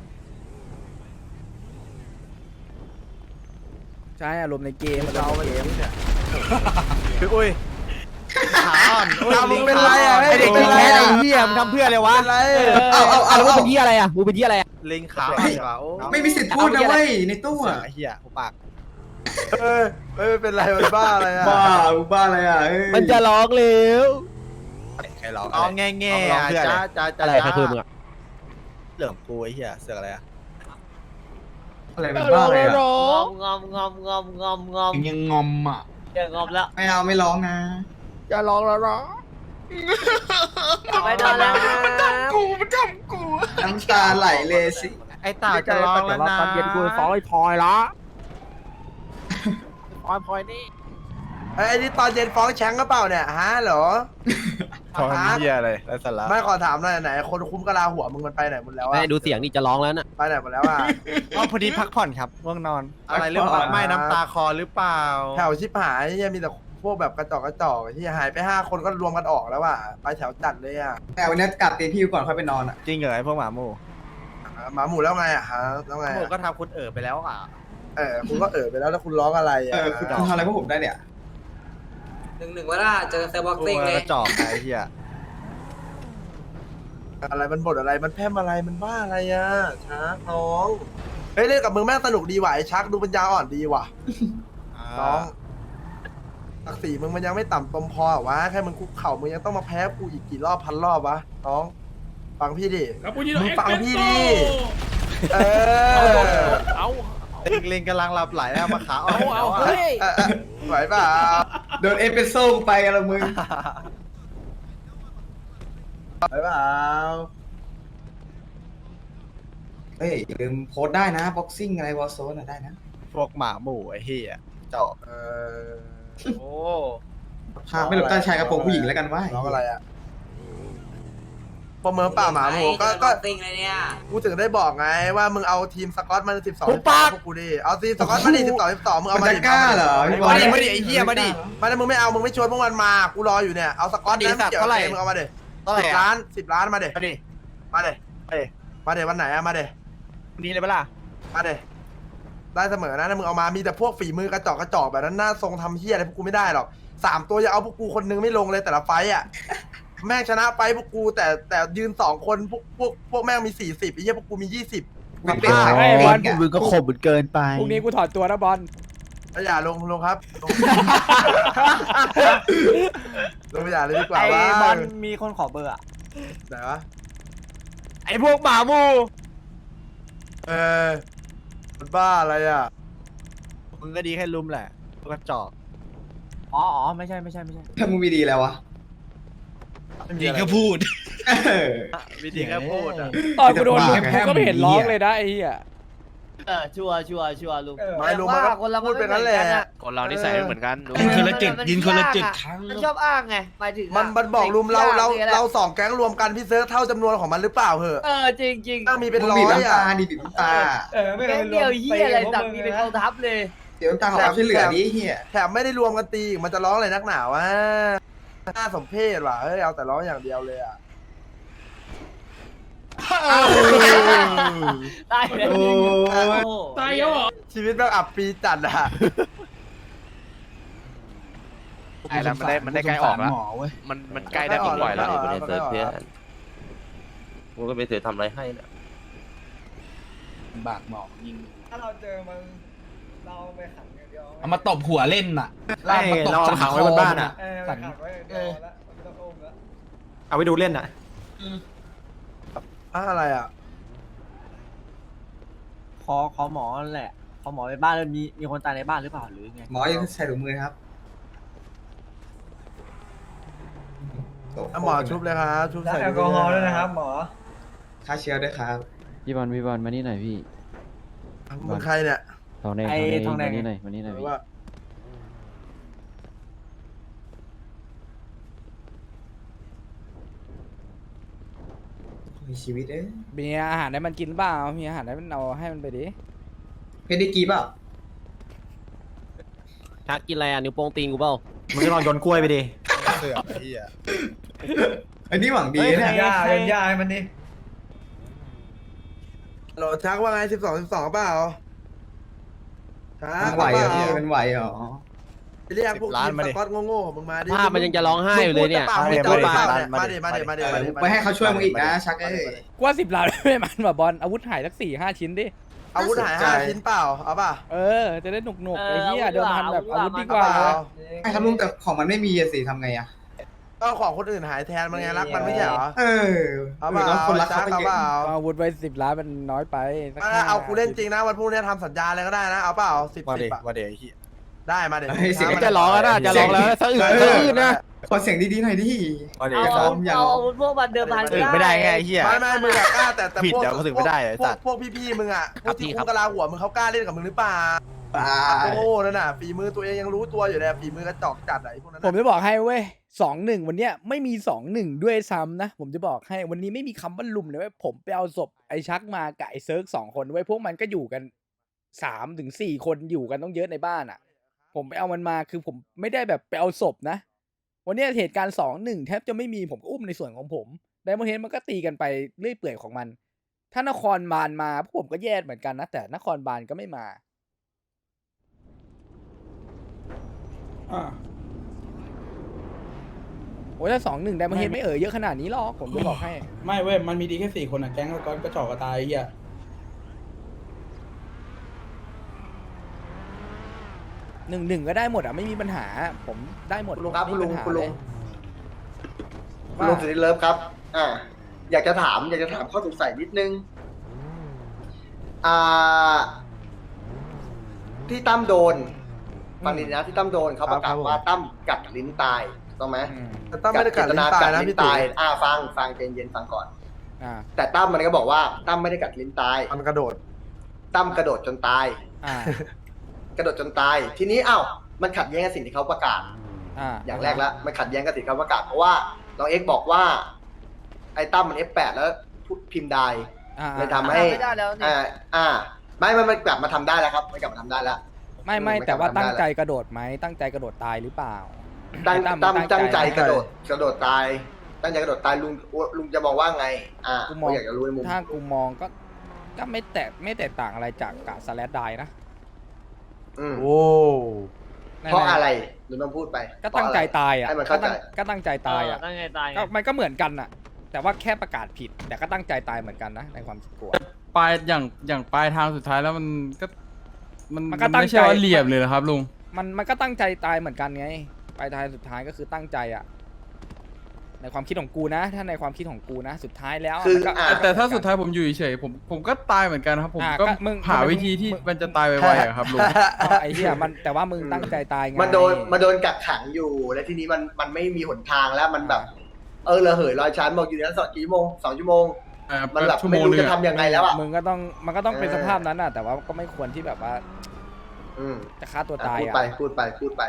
Speaker 2: ใช่อารมณ์ในเกม
Speaker 5: เรา
Speaker 2: อาร
Speaker 5: ไป
Speaker 2: มณ์ในเกม
Speaker 5: เนี่ย
Speaker 6: คืออุ้ยขาอ่อนอุ้ย
Speaker 5: เอามึงเป็นไรอ่ะ
Speaker 2: ไอเด็ก
Speaker 5: เป็
Speaker 2: กิ
Speaker 5: น
Speaker 2: น
Speaker 5: ไร
Speaker 2: แค่ไอ้
Speaker 5: อ่ะ
Speaker 2: เหี้ยมึงทำเพื่ออะไรวะ
Speaker 5: เป็นไร
Speaker 7: เอาเอาเอา
Speaker 3: แล้วมึง
Speaker 7: เอา
Speaker 3: เป็นยี่อะไรอ่ะมึงเป็นยี่อะไรอ่ะ
Speaker 6: ลิงขาอ่อนกว่าโอ้
Speaker 7: ไม่มีสิทธิ์พูดนะเว้ยในตู้
Speaker 6: เสีย
Speaker 7: อ่ะ
Speaker 6: งไอ้เหี้ยหัวปาก
Speaker 5: เออเออเป็นไรมันบ้าอะไรอ่ะ
Speaker 7: บ้าบ้าอะไรอ่ะ
Speaker 3: มันจะร้องเร็ว
Speaker 6: ใครร้องอ๋อแง่แง่จ้าจ้าจ้า
Speaker 3: อะไรใครคือมึงอ่ะ
Speaker 6: เรื่องกูไอ้เหี้ยเสือกอะไรอ่ะ
Speaker 7: อะไรเป็นบ้าอะไรอ่ะ
Speaker 3: งอมงอมงอมงอมงอมงอม
Speaker 9: ยังงอมอ่ะ
Speaker 3: อย่างอมแล้ว
Speaker 7: ไม่เอาไม่ร้องนะ
Speaker 2: จะร้องแล้วร้อง
Speaker 3: ไม่ได้แล้ว
Speaker 9: กูมันทำกู
Speaker 7: น้ำตาไหลเลยสิ
Speaker 6: ไอ้ตาจะร้องแล้วนะ
Speaker 1: ตอนเย็นกูฟ้องไอ้พลอยละ
Speaker 3: พลอยพลอยนี่
Speaker 5: ไอ้นี่ตอนเย็นฟ้องแชงก็เปล่าเนี่ยฮะเหรอ
Speaker 6: ท้องเหี้ยอะไรไรสาระ
Speaker 5: ไม่ขอถามหน่อยไหนคนคุ้มกะลาหัวมึงมันไปไหนหมดแล้ว
Speaker 3: ไม่
Speaker 5: อ่ะ
Speaker 3: ดูเสียงนี่จะร้องแล้วน่ะ
Speaker 5: ไปไหนหมดแล้วอ่ะ
Speaker 6: อ๋อพอดีพักผ่อนครับง่วงนอน อะไรหรือเปล่าไม่น้ำตาคอหรือเปล่า
Speaker 5: แถวชิบหายเนี่ยมีแต่พวกแบบกระจอกกระจอกที่หายไปห้าคนก็รวมกันออกแล้วอ่ะไปแถวจัดเลยอ่ะ
Speaker 7: แต่วันนี้กลับเตียงพี่ก่อนค่อยไปนอนอ่ะ
Speaker 6: จริงเหรอไอ้พวกหมาหมู
Speaker 5: หมาหมูแล้วไงอ่ะฮะแล้วไง
Speaker 6: หมู
Speaker 5: อะ
Speaker 6: ก็ทำคุณเอ๋อไปแล้วอ่ะ
Speaker 5: เออคุณก็เออไปแล้วแล้วคุณร้องอะไร
Speaker 7: เอ
Speaker 5: อ่ะ
Speaker 7: อคุณทำอะไรพวกผมได้เนี่ย
Speaker 3: หนึ่งหนึ่งว่าล่ะเจอเซอร์บ็อก
Speaker 6: ตัว
Speaker 3: ซิ่งเลย
Speaker 6: กระจอกไอ้เหี้ย
Speaker 5: อะไรมันบทอะไรมันแพร่มอะไรมันบ้าอะไรอ่ะชักน้องเฮ้ยเล่นกับมึงแม่งสนุกดีว่ะไอ้ชักดูปัญญาอ่อนดีว่ะน้องศักดิ์ศรีมึงมันยังไม่ต่ำตมพอเหรอวะแค่มึงคุกเข่ามึงยังต้องมาแพ้กูอีกกี่รอบพันรอบวะน้องฟังพี่ดิ
Speaker 10: ครับปุ้ยโด
Speaker 5: มึงฟังพี่ดิเออ
Speaker 8: เอาเล็งเล็งกำลังหลับไหลแล้วมาขาเอาเอา
Speaker 2: เฮ้ย
Speaker 5: เออเออไหวเปล่า
Speaker 7: โดนเอสเปรสโซ่กูไปกันละมึง
Speaker 5: ไหวเปล่า
Speaker 7: เฮ้ยอย่าลืมโพสต์ได้นะบ็อกซิ่งอะไรวอลโซนได้นะ
Speaker 8: พวกหมาหมู่ไอ้เหี้ยเจาะ
Speaker 5: เออ
Speaker 8: โอ้
Speaker 7: ภาพไม่หลบใต้ชายกระโปรงผู้หญิงแล้วกันว่า
Speaker 5: น้องอะไรอ่ะประเมินป่าหมาหมูก็ก็
Speaker 4: ติงเลยเนี่ย
Speaker 5: กูถึงได้บอกไงว่ามึงเอาทีมสกอตมาสิบสองพวกกูดิเอาทีมสกอตมาดิสิบสองสิบสองมึงเอา
Speaker 7: มัน
Speaker 5: มา
Speaker 7: จะ
Speaker 5: ดิ
Speaker 7: กล้าเหรอ
Speaker 8: มาดิมาดิไอ้เหี้ยมาดิ
Speaker 5: มาดิมึงไม่เอามึงไม่ชวนพวกมันมากูรออยู่เนี่ยเอาสกอตนะเกี่ยวกับมึงเอามาดิ
Speaker 8: เท่าไหร่
Speaker 5: สิบ
Speaker 8: อ่ะ
Speaker 5: ล้านสิบล้านมาดิ
Speaker 8: มาดิ
Speaker 5: มาดิ
Speaker 8: เอ้ย
Speaker 5: มาดิวันไหนอะมาดิ
Speaker 8: นี่เลยปะล่ะ
Speaker 5: มาดิได้เสมอนะถ้ามึงเอามามีแต่พวกฝีมือกระจอกกระจอกแบบนั้นหน้าทรงทำเฮี้ยอะไรพวกกูไม่ได้หรอกสามตัวอย่าเอาพวกกูคนนึงไม่ลงเลยแต่ละไฟต์อ่ะ แม่งชนะไฟต์พวกกูแต่แต่ยืนสองคนพวกพวกพวกแม่งมีสี่สิบไอ้เหี้ยพวกกูมียี่สิบ
Speaker 7: มีเป็นขาย
Speaker 2: ไอ้บอล
Speaker 8: มึงก็ข่มมันเกินไป
Speaker 2: พรุ่งนี้กูถอดตัวนะบอล
Speaker 5: อย่าลงลงครับลง ลงอย่าเลยดีกว่า
Speaker 8: ไอ้
Speaker 5: ว่า
Speaker 8: บอลมีคนขอเบอร์อ่ะ
Speaker 5: ไหนวะ
Speaker 8: ไอ้พวกหมาหมู่
Speaker 5: เออมันบ้าอะไรอ่ะ
Speaker 8: มึงก็ดีแค่ลุมแหละพวกกระจอกอ๋ออ๋อไม่ใช่ไม่ใช่ไม่ใช่
Speaker 7: ถ้ามึงมีดีแล้ววะ
Speaker 9: ดีก็พูด
Speaker 8: วิธีแค่พูดอ่ะ
Speaker 2: ตอนกูโดนลุมกูก็ไม่เห็นร้องเลยนะไอ้เหี้ย
Speaker 3: เออชัวร์ชัวร์ชัวร์ลุง
Speaker 5: ไม่รู้มันก็พูดเป็นนั้นแหละ
Speaker 8: คนเรานิสัยไม่เหมือนกัน
Speaker 9: ยินคนละจุดยินคนละจุด
Speaker 3: มันชอบอ้างไงหมายถึง
Speaker 5: มันมันบอกรุมเราเราเราสองแก๊งรวมกันพี่เซิร์ฟเท่าจำนวนของมันหรือเปล่าเหอะ
Speaker 3: เออจริงจริง
Speaker 5: ต้องมีเป็น
Speaker 7: มึง
Speaker 5: ร้อ
Speaker 7: บีบ
Speaker 5: ย
Speaker 7: น้ำ
Speaker 5: อ่ะ
Speaker 7: ตาดิบีบน้ำตา
Speaker 3: แค่เดียวเฮียอะไรสั่งมีเป็นกองทัพเลย
Speaker 7: เดี๋ยวน้ำตาขอความช่วยเหลือดิเฮีย
Speaker 5: แถมไม่ได้รวมกันตีอีกมันจะร้องอะไรนักหนาวะน่าสมเพชว่ะเฮ้ยเอาแต่ร้องอย่างเดียวเลยอ่ะ
Speaker 3: ตายเลย
Speaker 7: โอ้
Speaker 10: ตายแล้วเหรอ
Speaker 5: ชีวิตแบบอับปีจัดอ่ะ
Speaker 8: ไอ้แล้วมันได้มันได้ใกล้ออกแล้วมันมันใกล้ได้ปล่อยแล้ว
Speaker 5: ไม่เซิร์ฟเพื่อน
Speaker 8: กูก็ไม่เคยทำอะไรให้นะ
Speaker 9: บากหมอกยิง
Speaker 4: ถ้าเราเจอมันเราไปขังอย่างเดียว
Speaker 9: เอามาตบหัวเล่นน่ะ
Speaker 8: ไอ้เราเอาขังไว้บนบ้านอ่ะ
Speaker 4: เออไปขังไว้อย่างเดียวแล้วไม่ต้องอุ้มแล้ว
Speaker 8: เอาไปดูเล่นอ่ะ
Speaker 5: อะไรอ่ะ
Speaker 3: ขอขอหมอแหละขอหมอในบ้านแล้วมีมีคนตายในบ้านหรือเปล่าหรือไง
Speaker 7: หมอยังใส่ถุงมือครับ
Speaker 5: หมอชุบเลยครับชุบใส่
Speaker 4: แอลกอฮอล์ด้วยนะครับหมอ
Speaker 7: ฆ่าเชื้อด้วยครับ
Speaker 12: พี่บอลพี่บอลมานี่หน่อยพี่
Speaker 5: มึงใครเนี่ย
Speaker 12: ทองแดง
Speaker 3: ไอ้ทองแดง
Speaker 12: มานี่หน่อยมานี่หน่อย
Speaker 5: หรื
Speaker 12: พี่
Speaker 5: อว่า
Speaker 7: มีชีวิตเอ้ย
Speaker 2: มีอาหารให้มันกินเปล่ามีอาหารให้มันเอาให้มันไปดิ
Speaker 7: เพชรได้กีเปล่า
Speaker 3: ทักกินอะไรอ่ะนิ้วโป้งตีนกูเปล่า
Speaker 8: มึงก็ลองโยนกล้วยไปดิเสือกไอ้เหี้ย
Speaker 7: อันนี้หวังดีเนี่ย
Speaker 4: ย่าเป็นย่าให้มันดิ
Speaker 5: โหลชักว่าไงสิบสองสิบสองเปล่าชัก
Speaker 7: มันไหวเหรอพี่มันไหวเหรอ
Speaker 5: เรียกพวกทีมสกอตโง่ๆมึงมาดิ
Speaker 3: ภาพมันยังจะร้องไห้อยู่เลยเนี่ย
Speaker 5: มาดิมาดิมาดิมาดิมาดิ
Speaker 7: ไปให้เขาช่วยมึงอีกนะชักเอ้ย
Speaker 2: กูว่าสิบล้านไม่มันว่ะบอลอาวุธหายสักสี่ห้าชิ้นดิ
Speaker 5: อาวุธหายห้าชิ้นเปล่าเอาป่ะ
Speaker 2: เออจะได้หนุกหนุกๆไอ้เหี้ย
Speaker 3: เออ
Speaker 2: เดิมพันแบบ
Speaker 3: เอา
Speaker 2: อา
Speaker 3: อาวุ
Speaker 2: วุธ
Speaker 3: ธ
Speaker 2: ดี
Speaker 3: ดี
Speaker 2: ก
Speaker 3: ก
Speaker 2: ว่า
Speaker 3: ว่า
Speaker 7: ให้ครับลุงแต่ของมันไม่มีอะสิทำไงอะ
Speaker 5: ก็ของคนอื่นหายแทนมันไงรักมันไม่ใช่เหรอ
Speaker 7: เออ
Speaker 5: เอาเปล่า
Speaker 7: แล้วคนรัก
Speaker 5: ชั
Speaker 7: เขา
Speaker 5: ก
Speaker 7: ก็
Speaker 5: เอา
Speaker 7: เย
Speaker 5: เปล่า
Speaker 7: อะ
Speaker 2: อาวุธไว้สิบล้านมันน้อยไปสัก
Speaker 5: เอา
Speaker 2: ห้
Speaker 5: เอากูเล่นจริงนะวันพรุ่งนี้ทำสัญญาอะไรก็ได้นะเอาเปล่าสิบ
Speaker 8: มา
Speaker 5: สิ
Speaker 8: ดิ
Speaker 5: บอะ
Speaker 8: มาดิไอ้เหี้ย
Speaker 5: ได้มาเดี๋ยว
Speaker 7: เฮ้ยเสียง
Speaker 3: จะร้องแล้วนะจะร้องแล้วสะอึกสะอึกนะ
Speaker 7: ขอเสียงดีๆหน่อยดิ
Speaker 8: มาดิ
Speaker 3: เอา
Speaker 7: ซ้
Speaker 3: เอา
Speaker 7: อมอย่าง
Speaker 3: เอาอาวุธพวกมันเดิมพัน
Speaker 8: ถึงไม่ได้ไงไอ้เหี้ย
Speaker 5: ไม่ไม่มึงอะกล้าแต่แต่
Speaker 8: ผิด
Speaker 5: พวก
Speaker 8: เดี๋ยวก็ถึงไม่ได้ไอ้
Speaker 5: พว
Speaker 8: สั
Speaker 5: ก
Speaker 8: ตว์
Speaker 5: พวกพี่ๆมึงอะพวกที่
Speaker 8: ครับ
Speaker 5: คุกกะลาหัวมึงเขากล้าเล่นกับมึงหรือเปล่า
Speaker 7: อ่า
Speaker 5: โอ้นั่นน่ะฝีมือตัวเองยังรู้ตัวอยู่เลยฝีมือกระจอกจัดอะไอ้พวกนั้น
Speaker 2: ผม
Speaker 5: น่ะ
Speaker 2: จะบอกให้เว้ยสองหนึ่งวันเนี้ยไม่มีสองหนึ่งด้วยซ้ำนะ ผมจะบอกให้วันนี้ไม่มีคำว่าลุมเลยเว้ยผมไปเอาศพไอ้ชักมากับไอ้เซิร์กสองคนเว้ยพวกมันก็อยู่กันสามถึงสี่คนอยู่กันต้องเยอะในบ้านอ่ะ ผมไปเอามันมาคือผมไม่ได้แบบไปเอาศพนะ วันเนี้ยเหตุการณ์สองหนึ่งแทบจะไม่มีผมก็อุ้มในส่วนของผมไดมอนเฮดมันก็ตีกันไปเรื่อยเปื่อยของมัน ถ้านครบาลมาพวกผมก็แย่เหมือนกันนะแต่นครบาลก็ไม่มา
Speaker 10: อ่า
Speaker 2: โอ้ยถ้าสองหนึ่งไดมอนเฮดไม่เอ่ยเยอะขนาดนี้หรอกผมจะบอกให้
Speaker 10: ไม่เว้ยมันมีดีแค่สี่คนอ่ะแก๊งก็กระจอกกระตายไอ้เหี้ย
Speaker 2: หนึ่งหนึ่งก็ได้หมดอ่ะไม่มีปัญหา ผมได้หมด
Speaker 4: คุณลุงครับ
Speaker 2: ไม่
Speaker 4: คุณ
Speaker 2: มี
Speaker 4: ลุง
Speaker 2: ปัญหา
Speaker 4: คุณลุง
Speaker 2: เย
Speaker 4: คุณลุงสุดที่เลิฟครับ อ่า อยากจะถาม อยากจะถามข้อสงสัยนิดนึง อ่า ที่ตั้มโดนฟังดีนะที่ตั้มโดนเขาประกาศว่าตั้มกัดลิ้นตายถูกต้องไหม
Speaker 2: อืม
Speaker 5: แต่ตั้มไม่ได้กัดลิ้นตายนะพี่ตี
Speaker 4: อ่าฟังฟังเย็นเย็นๆฟังก่อน
Speaker 2: อ่า
Speaker 4: แต่ตั้มมันก็บอกว่าตั้มไม่ได้กัดลิ้นตาย
Speaker 5: มันกระโดด
Speaker 4: ตั้มกระโดดจนตาย
Speaker 2: อ่า
Speaker 4: กระโดดจนตาย ทีนี้อ้าวมันขัดแย้งกับสิ่งที่เขาประกาศ
Speaker 2: อ่า
Speaker 4: อย่างแรกแล้วมันขัดแย้งกับสิ่งที่เขาประกาศเพราะว่าน้องเอ็กซ์บอกว่า ไอ้ตั้มมัน เอฟ แปด แล้วพูดพิมพ์ได้
Speaker 2: อ่า
Speaker 4: เลยทำให้
Speaker 3: ไม่ได้แล้วนี่
Speaker 4: อ่าอ่า ไม่ไม่มันกลับมาทำได้แล้วครับมันกลับมาทำได้แล้ว
Speaker 2: ไม่ไม่
Speaker 4: ไม่
Speaker 2: แต่ว่า
Speaker 4: จำได้
Speaker 2: ตั้งใจกระโดดไหมตั้งใจกระโดดตายหรือเปล่า
Speaker 4: ตั้ง
Speaker 2: ไอ้
Speaker 4: ตั้ม
Speaker 2: มัน
Speaker 4: ตั้งใจกระโดดกระโดดตาย ตั้งใจกระโดดตายลุงลุงจะมองว่าไง อ่า
Speaker 2: กูมอง
Speaker 4: อยากจะรู้ในมุม
Speaker 2: ถ้ากูมองก็ก็ไม่แตกไม่แตกต่างอะไรจากกะสแลดไดนะ
Speaker 4: อืม
Speaker 5: โอ้
Speaker 4: เพราะอะไรลุงต้องพูดไป
Speaker 2: ก็ตั้งใจตายอ่ะ
Speaker 4: ให้มัน
Speaker 2: ก็
Speaker 4: เข้าใจ
Speaker 2: ตั้งก็ตั้งใจตายอ่ะ
Speaker 3: ตั้งใจตายไง
Speaker 2: ก็มันก็เหมือนกันอ่ะ แต่ว่าแค่ประกาศผิด แต่ก็ตั้งใจตายเหมือนกันนะในความคิดกูอะ
Speaker 8: ปลายอย่างอย่างปลายทางสุดท้ายแล้วมันก็มัน
Speaker 2: มันก็ตั้ง
Speaker 8: ไม่ใช่
Speaker 2: ใจ
Speaker 8: ว่าเหลี่ยมเลยนะครับลุง
Speaker 2: มันมันก็ตั้งใจตายเหมือนกันไงปลายทางสุดท้ายก็คือตั้งใจอ่ะ ในความคิดของกูนะ ถ้าในความคิดของกูนะ สุดท้ายแล้ว
Speaker 4: คือ
Speaker 2: มันก็
Speaker 4: อ่ะ
Speaker 8: แต่ถ้าสุดท้ายผมอยู่เฉยๆผมผมก็ตายเหมือนกันครับ ผม
Speaker 2: อ่ะ
Speaker 8: ก็
Speaker 2: ก็มึง
Speaker 8: หา
Speaker 2: มึง
Speaker 8: วิธีที่
Speaker 2: มึง
Speaker 8: มันจะตายไวๆอะครับลุง
Speaker 2: อ๋อไอ้เหี้ยมันแต่ว่ามึงตั้งใจตายไง
Speaker 4: มันโดนมันโดนกักขังอยู่แล้วทีนี้มันมันไม่มีหนทางแล้วมันแบบ เออระเหยลอยชั้นบอกอยู่ในนั้นสองกี่ชั่วโมงสองชั่วโมง
Speaker 8: อ่า
Speaker 4: มันแบบ
Speaker 8: ชั่วโม
Speaker 4: ไม่
Speaker 8: ง
Speaker 4: รู้
Speaker 8: นึง
Speaker 4: จะ
Speaker 8: อะ
Speaker 4: ทำยังไงแล้วอ่ะ
Speaker 2: มึงก็ต้องมันก็ต้องเป็น
Speaker 4: เออ
Speaker 2: สภาพนั้นอ่ะ แต่ว่าก็ไม่ควรที่แบบว่า
Speaker 4: อืม
Speaker 2: จะฆ่าตัว
Speaker 4: อ่ะ
Speaker 2: ตาย
Speaker 4: พูด
Speaker 2: อ่ะ
Speaker 4: ไปพูดไปพูดไป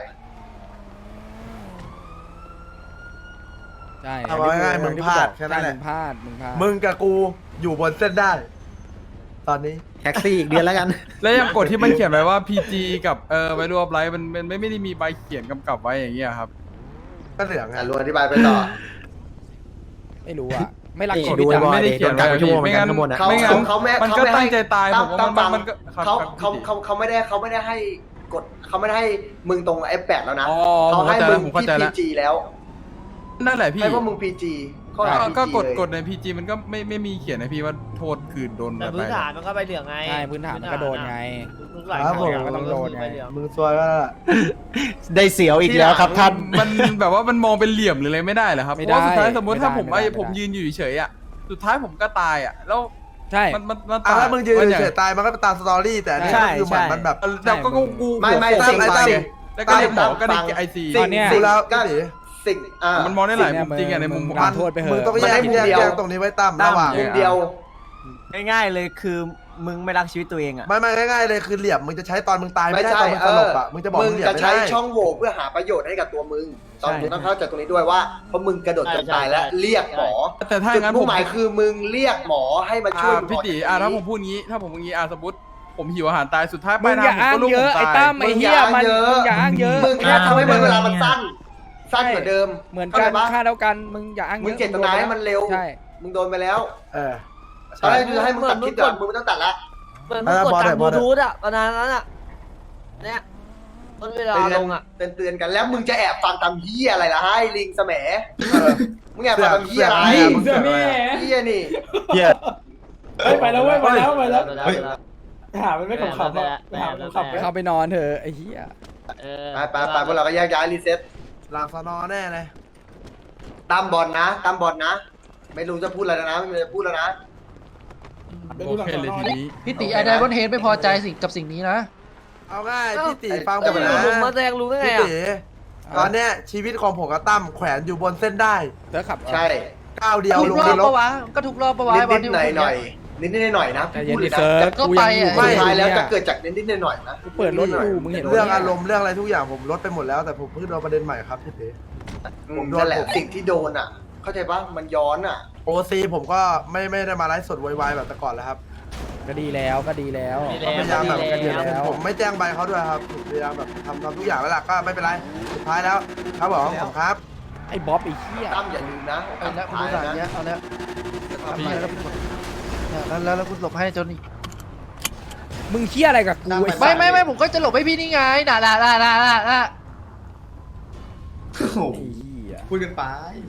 Speaker 2: ใช่
Speaker 5: เอาง่ายๆมึงพลาดแค่นั้นแหละ
Speaker 2: มึงพลาดมึงพลาด
Speaker 5: มึงกับกูอยู่บนเส้นได้ ตอนนี้
Speaker 1: แท็กซี่อีกเดือนแล้วกัน
Speaker 8: แล้วยังกฎที่มันเขียนไว้ว่า พี จี กับเอ่อไวรวบไลท์มันมันไม่ไม่ได้มีใบเขียนกำกับไว้อย่างเงี้ยครับ
Speaker 5: ก็เหลืองไง
Speaker 4: อ่ะลุงอธิบายไปต่อ
Speaker 2: ไม่รู้อ่ะ ไม่รัก
Speaker 1: นี่
Speaker 2: ชี
Speaker 1: ดู
Speaker 2: วิต
Speaker 1: ไอ้บอย
Speaker 2: อะ
Speaker 8: ไม่ได้เขียน
Speaker 1: โดนกักไปชั่วโมงเหมือนกัน
Speaker 8: ไม่งั้น
Speaker 1: ข้างบนอะ
Speaker 4: เขา
Speaker 8: ไม่งั้น
Speaker 4: เขาไม่
Speaker 8: มันก็
Speaker 4: เขาไม่ให้
Speaker 8: ตั้งใจตายผม
Speaker 4: ตั้
Speaker 8: ว่ามัน
Speaker 4: ตั้
Speaker 8: มันก็ครับ
Speaker 4: เขา
Speaker 8: ครับ
Speaker 4: เขา
Speaker 8: พี่
Speaker 4: เขาเขาไม่ได้เขาไม่ได้ให้กดเขาไม่ได้ให้มึงตรงไอ้แปดแล้วนะ
Speaker 8: อ๋อ
Speaker 4: เขาให้มึง
Speaker 8: ผมเข้า
Speaker 4: ที่
Speaker 8: ใจ
Speaker 4: พี
Speaker 8: แล้ว
Speaker 4: จีแล้ว
Speaker 8: นั่นแหละพี่
Speaker 4: ให้พวกมึงพีจีข้อหา
Speaker 8: ก็
Speaker 4: พี
Speaker 8: ก็
Speaker 4: จี
Speaker 8: กด
Speaker 4: เลย
Speaker 8: กดใน พี จี มันก็ไม่ไม่มีเขียนนะพี่ว่าโทษคือโดน
Speaker 3: แต่
Speaker 8: แบบ
Speaker 3: พื้น
Speaker 8: ไหน
Speaker 3: ฐานมันก็ใบเหลืองไง
Speaker 2: ใช่พื้นฐานมันก็โดนไง
Speaker 3: ทุกหลาย
Speaker 5: ครับผม
Speaker 3: อย่าง
Speaker 2: ก็ต้องโดนไง
Speaker 3: ใบเหลือง
Speaker 5: มึงซวยว่า
Speaker 1: ได้เสียวอีกแล้วครับท่าน
Speaker 8: มันแบบว่ามันมองเป็นเหลี่ยมหรืออะไรไม่ได้เหรอครับ
Speaker 2: ไม่
Speaker 8: เพราะว่า
Speaker 2: ได้
Speaker 8: สุดท้ายสมมติ
Speaker 2: ไม่ได้
Speaker 8: ถ้าผม
Speaker 2: ไม่ได้
Speaker 8: ไอ้ผม
Speaker 2: ไม่ได้
Speaker 8: ยืนอยู่เฉยๆอ่ะสุดท้ายผมก็ตายอ่ะแล้ว
Speaker 2: ใช่
Speaker 8: มันมันมัน
Speaker 5: อ่ะ
Speaker 8: ตาย
Speaker 5: แล้วมึงยืน
Speaker 8: มันอย่าง
Speaker 5: เฉยๆตายมันก็เป็นตามสตอรี่แต่อันนี้
Speaker 1: ใช่
Speaker 5: ก็คือเหมือน
Speaker 1: ใช่
Speaker 5: มันแบบ
Speaker 8: แต่ก็กูกู
Speaker 4: ไม่ไม่
Speaker 8: ตั้
Speaker 4: สิ่
Speaker 8: ง
Speaker 4: ง
Speaker 8: ใจ
Speaker 4: สิ่ง
Speaker 8: แล้วก็เรียกหมอก็ได้
Speaker 4: ฟัง
Speaker 8: ไอซี
Speaker 4: สิ่
Speaker 2: ตอนเนี้ย
Speaker 5: ดูแล้ว
Speaker 4: ก็
Speaker 5: พี่ตี
Speaker 4: สิ่งอ่า
Speaker 8: มันมองได้หลาย
Speaker 2: สิ่
Speaker 8: มุ
Speaker 2: ง
Speaker 8: ม
Speaker 2: เนี้ย
Speaker 8: จริงอะใน
Speaker 2: มึ
Speaker 8: มุม
Speaker 2: ง
Speaker 8: ผม
Speaker 2: มึงโทษไปเถอะ
Speaker 5: มึงต้อง
Speaker 4: มัน
Speaker 5: แย
Speaker 4: ได้
Speaker 5: ก
Speaker 4: มุม
Speaker 5: แยก
Speaker 4: เดียว
Speaker 5: แยกตรงนี้ไว้ตั้มระหว่าง
Speaker 4: มุมเดียว
Speaker 1: ง่ายๆเลยคือมึงไม่รักชีวิตตัวเองอ่ะ
Speaker 5: ไม่ไม่ง่ายๆเลยคือเหลี่ยมมึงจะใช้ตอนมึงตายไม่ได้
Speaker 4: ไม่ใช่
Speaker 5: ตอนมึงสลบอ่ะ
Speaker 4: เออ
Speaker 5: มึงจะบอก
Speaker 4: มึง
Speaker 5: มึงเหลี่ยม
Speaker 4: จะ
Speaker 5: ไม่
Speaker 4: ใช้
Speaker 5: ได้
Speaker 4: ช่องโหว่เพื่อหาประโยชน์ให้กับตัวมึงตอน
Speaker 2: ใช่
Speaker 4: มึงต้องเข้าใจตรงนี้ด้วยว่าเพราะมึงกระโดดจนตายแล้วเรียกหมอ
Speaker 8: แต่ถ้าอ
Speaker 4: จุด
Speaker 8: ย่างนั้น
Speaker 4: มุ่
Speaker 8: ผ
Speaker 4: ง
Speaker 8: ม
Speaker 4: หมายคือมึงเรียกหมอให้มาช่วย
Speaker 8: อ่า
Speaker 4: มึง
Speaker 8: พี่ตี
Speaker 4: ออกจาก
Speaker 8: อ่าถ้า
Speaker 4: ตรง
Speaker 8: ผ
Speaker 4: นี้
Speaker 8: มพูดงี้ถ้าผมพูดงี้อ่าสมมติผมหิวอาหารตายสุดท้ายป
Speaker 2: มึ
Speaker 8: ลาย
Speaker 2: ง
Speaker 8: ทา
Speaker 2: อย่าง
Speaker 8: ผม
Speaker 2: อ้าง
Speaker 8: ก็ลูก
Speaker 2: เย
Speaker 8: ผ
Speaker 2: อะ
Speaker 8: ม
Speaker 2: ไอ้
Speaker 8: ตาย
Speaker 2: ตั้มไอ้เหี้ยมันมึงอย่าอ้างเยอะ
Speaker 4: มึงแค่ทำให้เวลามันสั้น สั้นกว่าเดิม
Speaker 2: เหมือน
Speaker 4: เข้า
Speaker 2: กั
Speaker 4: ใจ
Speaker 2: น
Speaker 4: ปะ
Speaker 2: ค่าเท่ากันมึงอย่าอ้างเย
Speaker 4: มึ
Speaker 2: อะ
Speaker 4: งเจตนาให้มันเร็ว
Speaker 2: ใช่
Speaker 4: มึงโดนไปแล้ว
Speaker 5: เออ
Speaker 4: ตอนแรกคือให้มึงตัดคลิปก่อนมึงไม่ต้องตัดละ
Speaker 3: เหมือนมึงกด
Speaker 5: บอล
Speaker 3: จาก
Speaker 5: บบ อ
Speaker 3: ลู
Speaker 5: ล
Speaker 3: ทูธอะตอนนั้นอะเนี่ยต้นเวลา
Speaker 4: เตือน
Speaker 3: ลงอะ
Speaker 4: เตือนเตือนกันแล้วมึงจะแอบฟังตามเหี้ยอะไรล่ะให้ลิงแสมเออมึงแอบฟังตามเหี้ยอะไร
Speaker 5: เสือกมึง
Speaker 10: เสือแม่
Speaker 4: เหี้ยนี่
Speaker 1: เฮีย
Speaker 10: เฮ้ยไปแล้วเว้ยไปแล้วไปแล้ว
Speaker 3: เวลาเวลา
Speaker 10: ไปหามันไม่ขำๆอ่ะไปหามันขำๆไป
Speaker 2: เข้าไปนอนเถอะไอ้เหี้ย
Speaker 3: เออ
Speaker 4: ไปไปไปพวกเราก็แยกย้ายรีเซ็ต
Speaker 5: หลังสนอแน่เลย
Speaker 4: ตามบอลนะตามบอลนะ ไม่รู้จะพูดอะไรแล้วนะไม่รู้จะพูดแล้วนะ
Speaker 8: โอเคเลยทีนี้
Speaker 1: พี่ตีไอไดมอนเฮดไม่พอใจสิ่งกับสิ่งนี้นะ
Speaker 5: เอาง่ายพี่ตีฟังผ
Speaker 3: จะ
Speaker 5: ม
Speaker 3: ไป
Speaker 5: นะ
Speaker 3: ลุงมาแซงลุงได้ไง
Speaker 5: พี่
Speaker 3: อะ
Speaker 5: ตีตอนเนี้ยชีวิตของผมกับตั้มแขวนอยู่บนเส้นได้
Speaker 2: เธอขับ
Speaker 4: ใช่
Speaker 5: ก้าวเดียว
Speaker 1: ทุ
Speaker 5: ล
Speaker 1: ก
Speaker 5: ง
Speaker 1: รอน บ
Speaker 5: ร
Speaker 1: ปะ
Speaker 5: ก
Speaker 1: วะก็ทุกรอบปะวะ
Speaker 4: นิด
Speaker 1: บอล
Speaker 4: นิด
Speaker 1: ที่
Speaker 4: หน่อย
Speaker 1: ผม
Speaker 4: หน่อยนิดนิดหน่อยนะ
Speaker 2: ใจเย็
Speaker 4: พู
Speaker 2: น
Speaker 4: ดเล
Speaker 2: ดิ
Speaker 4: ยนะ
Speaker 2: เซิร์ฟ
Speaker 1: ก็
Speaker 2: กู
Speaker 1: ไป
Speaker 2: ยังอยู่
Speaker 1: อะ
Speaker 4: สุ
Speaker 2: ไม่
Speaker 4: ดท้ายแล้วจะ
Speaker 2: เนี่ย
Speaker 4: เกิดจากนิดนิดหน่อยหน่อยนะ
Speaker 2: กูเปิดรถอยู่มึงเห็น
Speaker 5: เรื่องอารมณ์เรื่องอะไรทุกอย่างผมลดไปหมดแล้วแต่ผมเพิ่งโดนประเด็นใหม่ครับพี่ตี
Speaker 4: อื
Speaker 5: ผม มโดน
Speaker 4: นั่นแหละ
Speaker 5: ผม
Speaker 4: สิ่งที่โดนอ่ะ เข้าใจปะมันย้อนอ่ะ
Speaker 5: โอซีผมก็ไม่ไม่ได้มาไลฟ์สดวายๆแบบแต่ก่อนแล้วครับ
Speaker 2: ก็ดีแล้วก็ดีแล้ว
Speaker 3: ดี
Speaker 5: ก็พยายามแบบ
Speaker 3: ดีแล้ว
Speaker 5: ผมผมไม่แจ้งใบเขาด้วยครับผมพยายามแบบทำทำทุกอย่างแล้วล่ะก็ไม่เป็นไรสุดท้ายแล้วครับผมผมครับ
Speaker 2: ไอ้บ๊อบไอ้เหี้ย
Speaker 4: ตั้มอย่าลืมนะ
Speaker 1: เอาแล้วคุณ
Speaker 4: ท้าย
Speaker 1: ดูหนัง
Speaker 4: นะ
Speaker 1: เนี้ยเอาแล้วทำไมแล้วคุณแล้วแล้วแล้วคุณหลบให้จนนี่
Speaker 2: มึงเหี้ยอะไรกับกูไอ้สั
Speaker 1: ไม่
Speaker 2: ตว์
Speaker 1: ไม่ไม่ผมก็จะหลบให้พี่นี่ไงน่ะน่ะน่ะน่ะน่ะน่ะ
Speaker 2: ไอ้เหี้ย
Speaker 7: พูดกันไป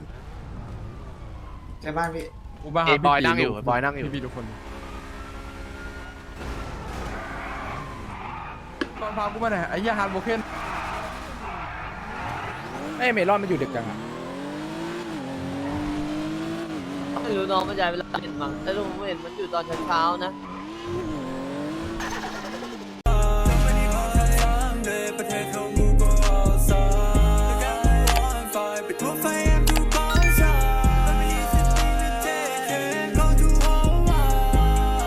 Speaker 7: ใช่บ้านพี่
Speaker 8: กูมาหา
Speaker 6: เอ้ย
Speaker 8: พี่
Speaker 6: บอย
Speaker 8: ตี
Speaker 6: นั่งอยู่
Speaker 8: ลูก
Speaker 6: บอยนั่งอยู่
Speaker 8: พี่ๆทุกคน
Speaker 5: พากูมาหน่อยไอ้ยาฮาร์ดโบเคน
Speaker 2: เอ้ยเมลอนมันอยู่ดึกจังอะ
Speaker 3: ไม่รู้น้องมันย้ายเวลาเห็นมั้งแต่ลุงเห็นมันอยู่ตอนเช้าๆนะ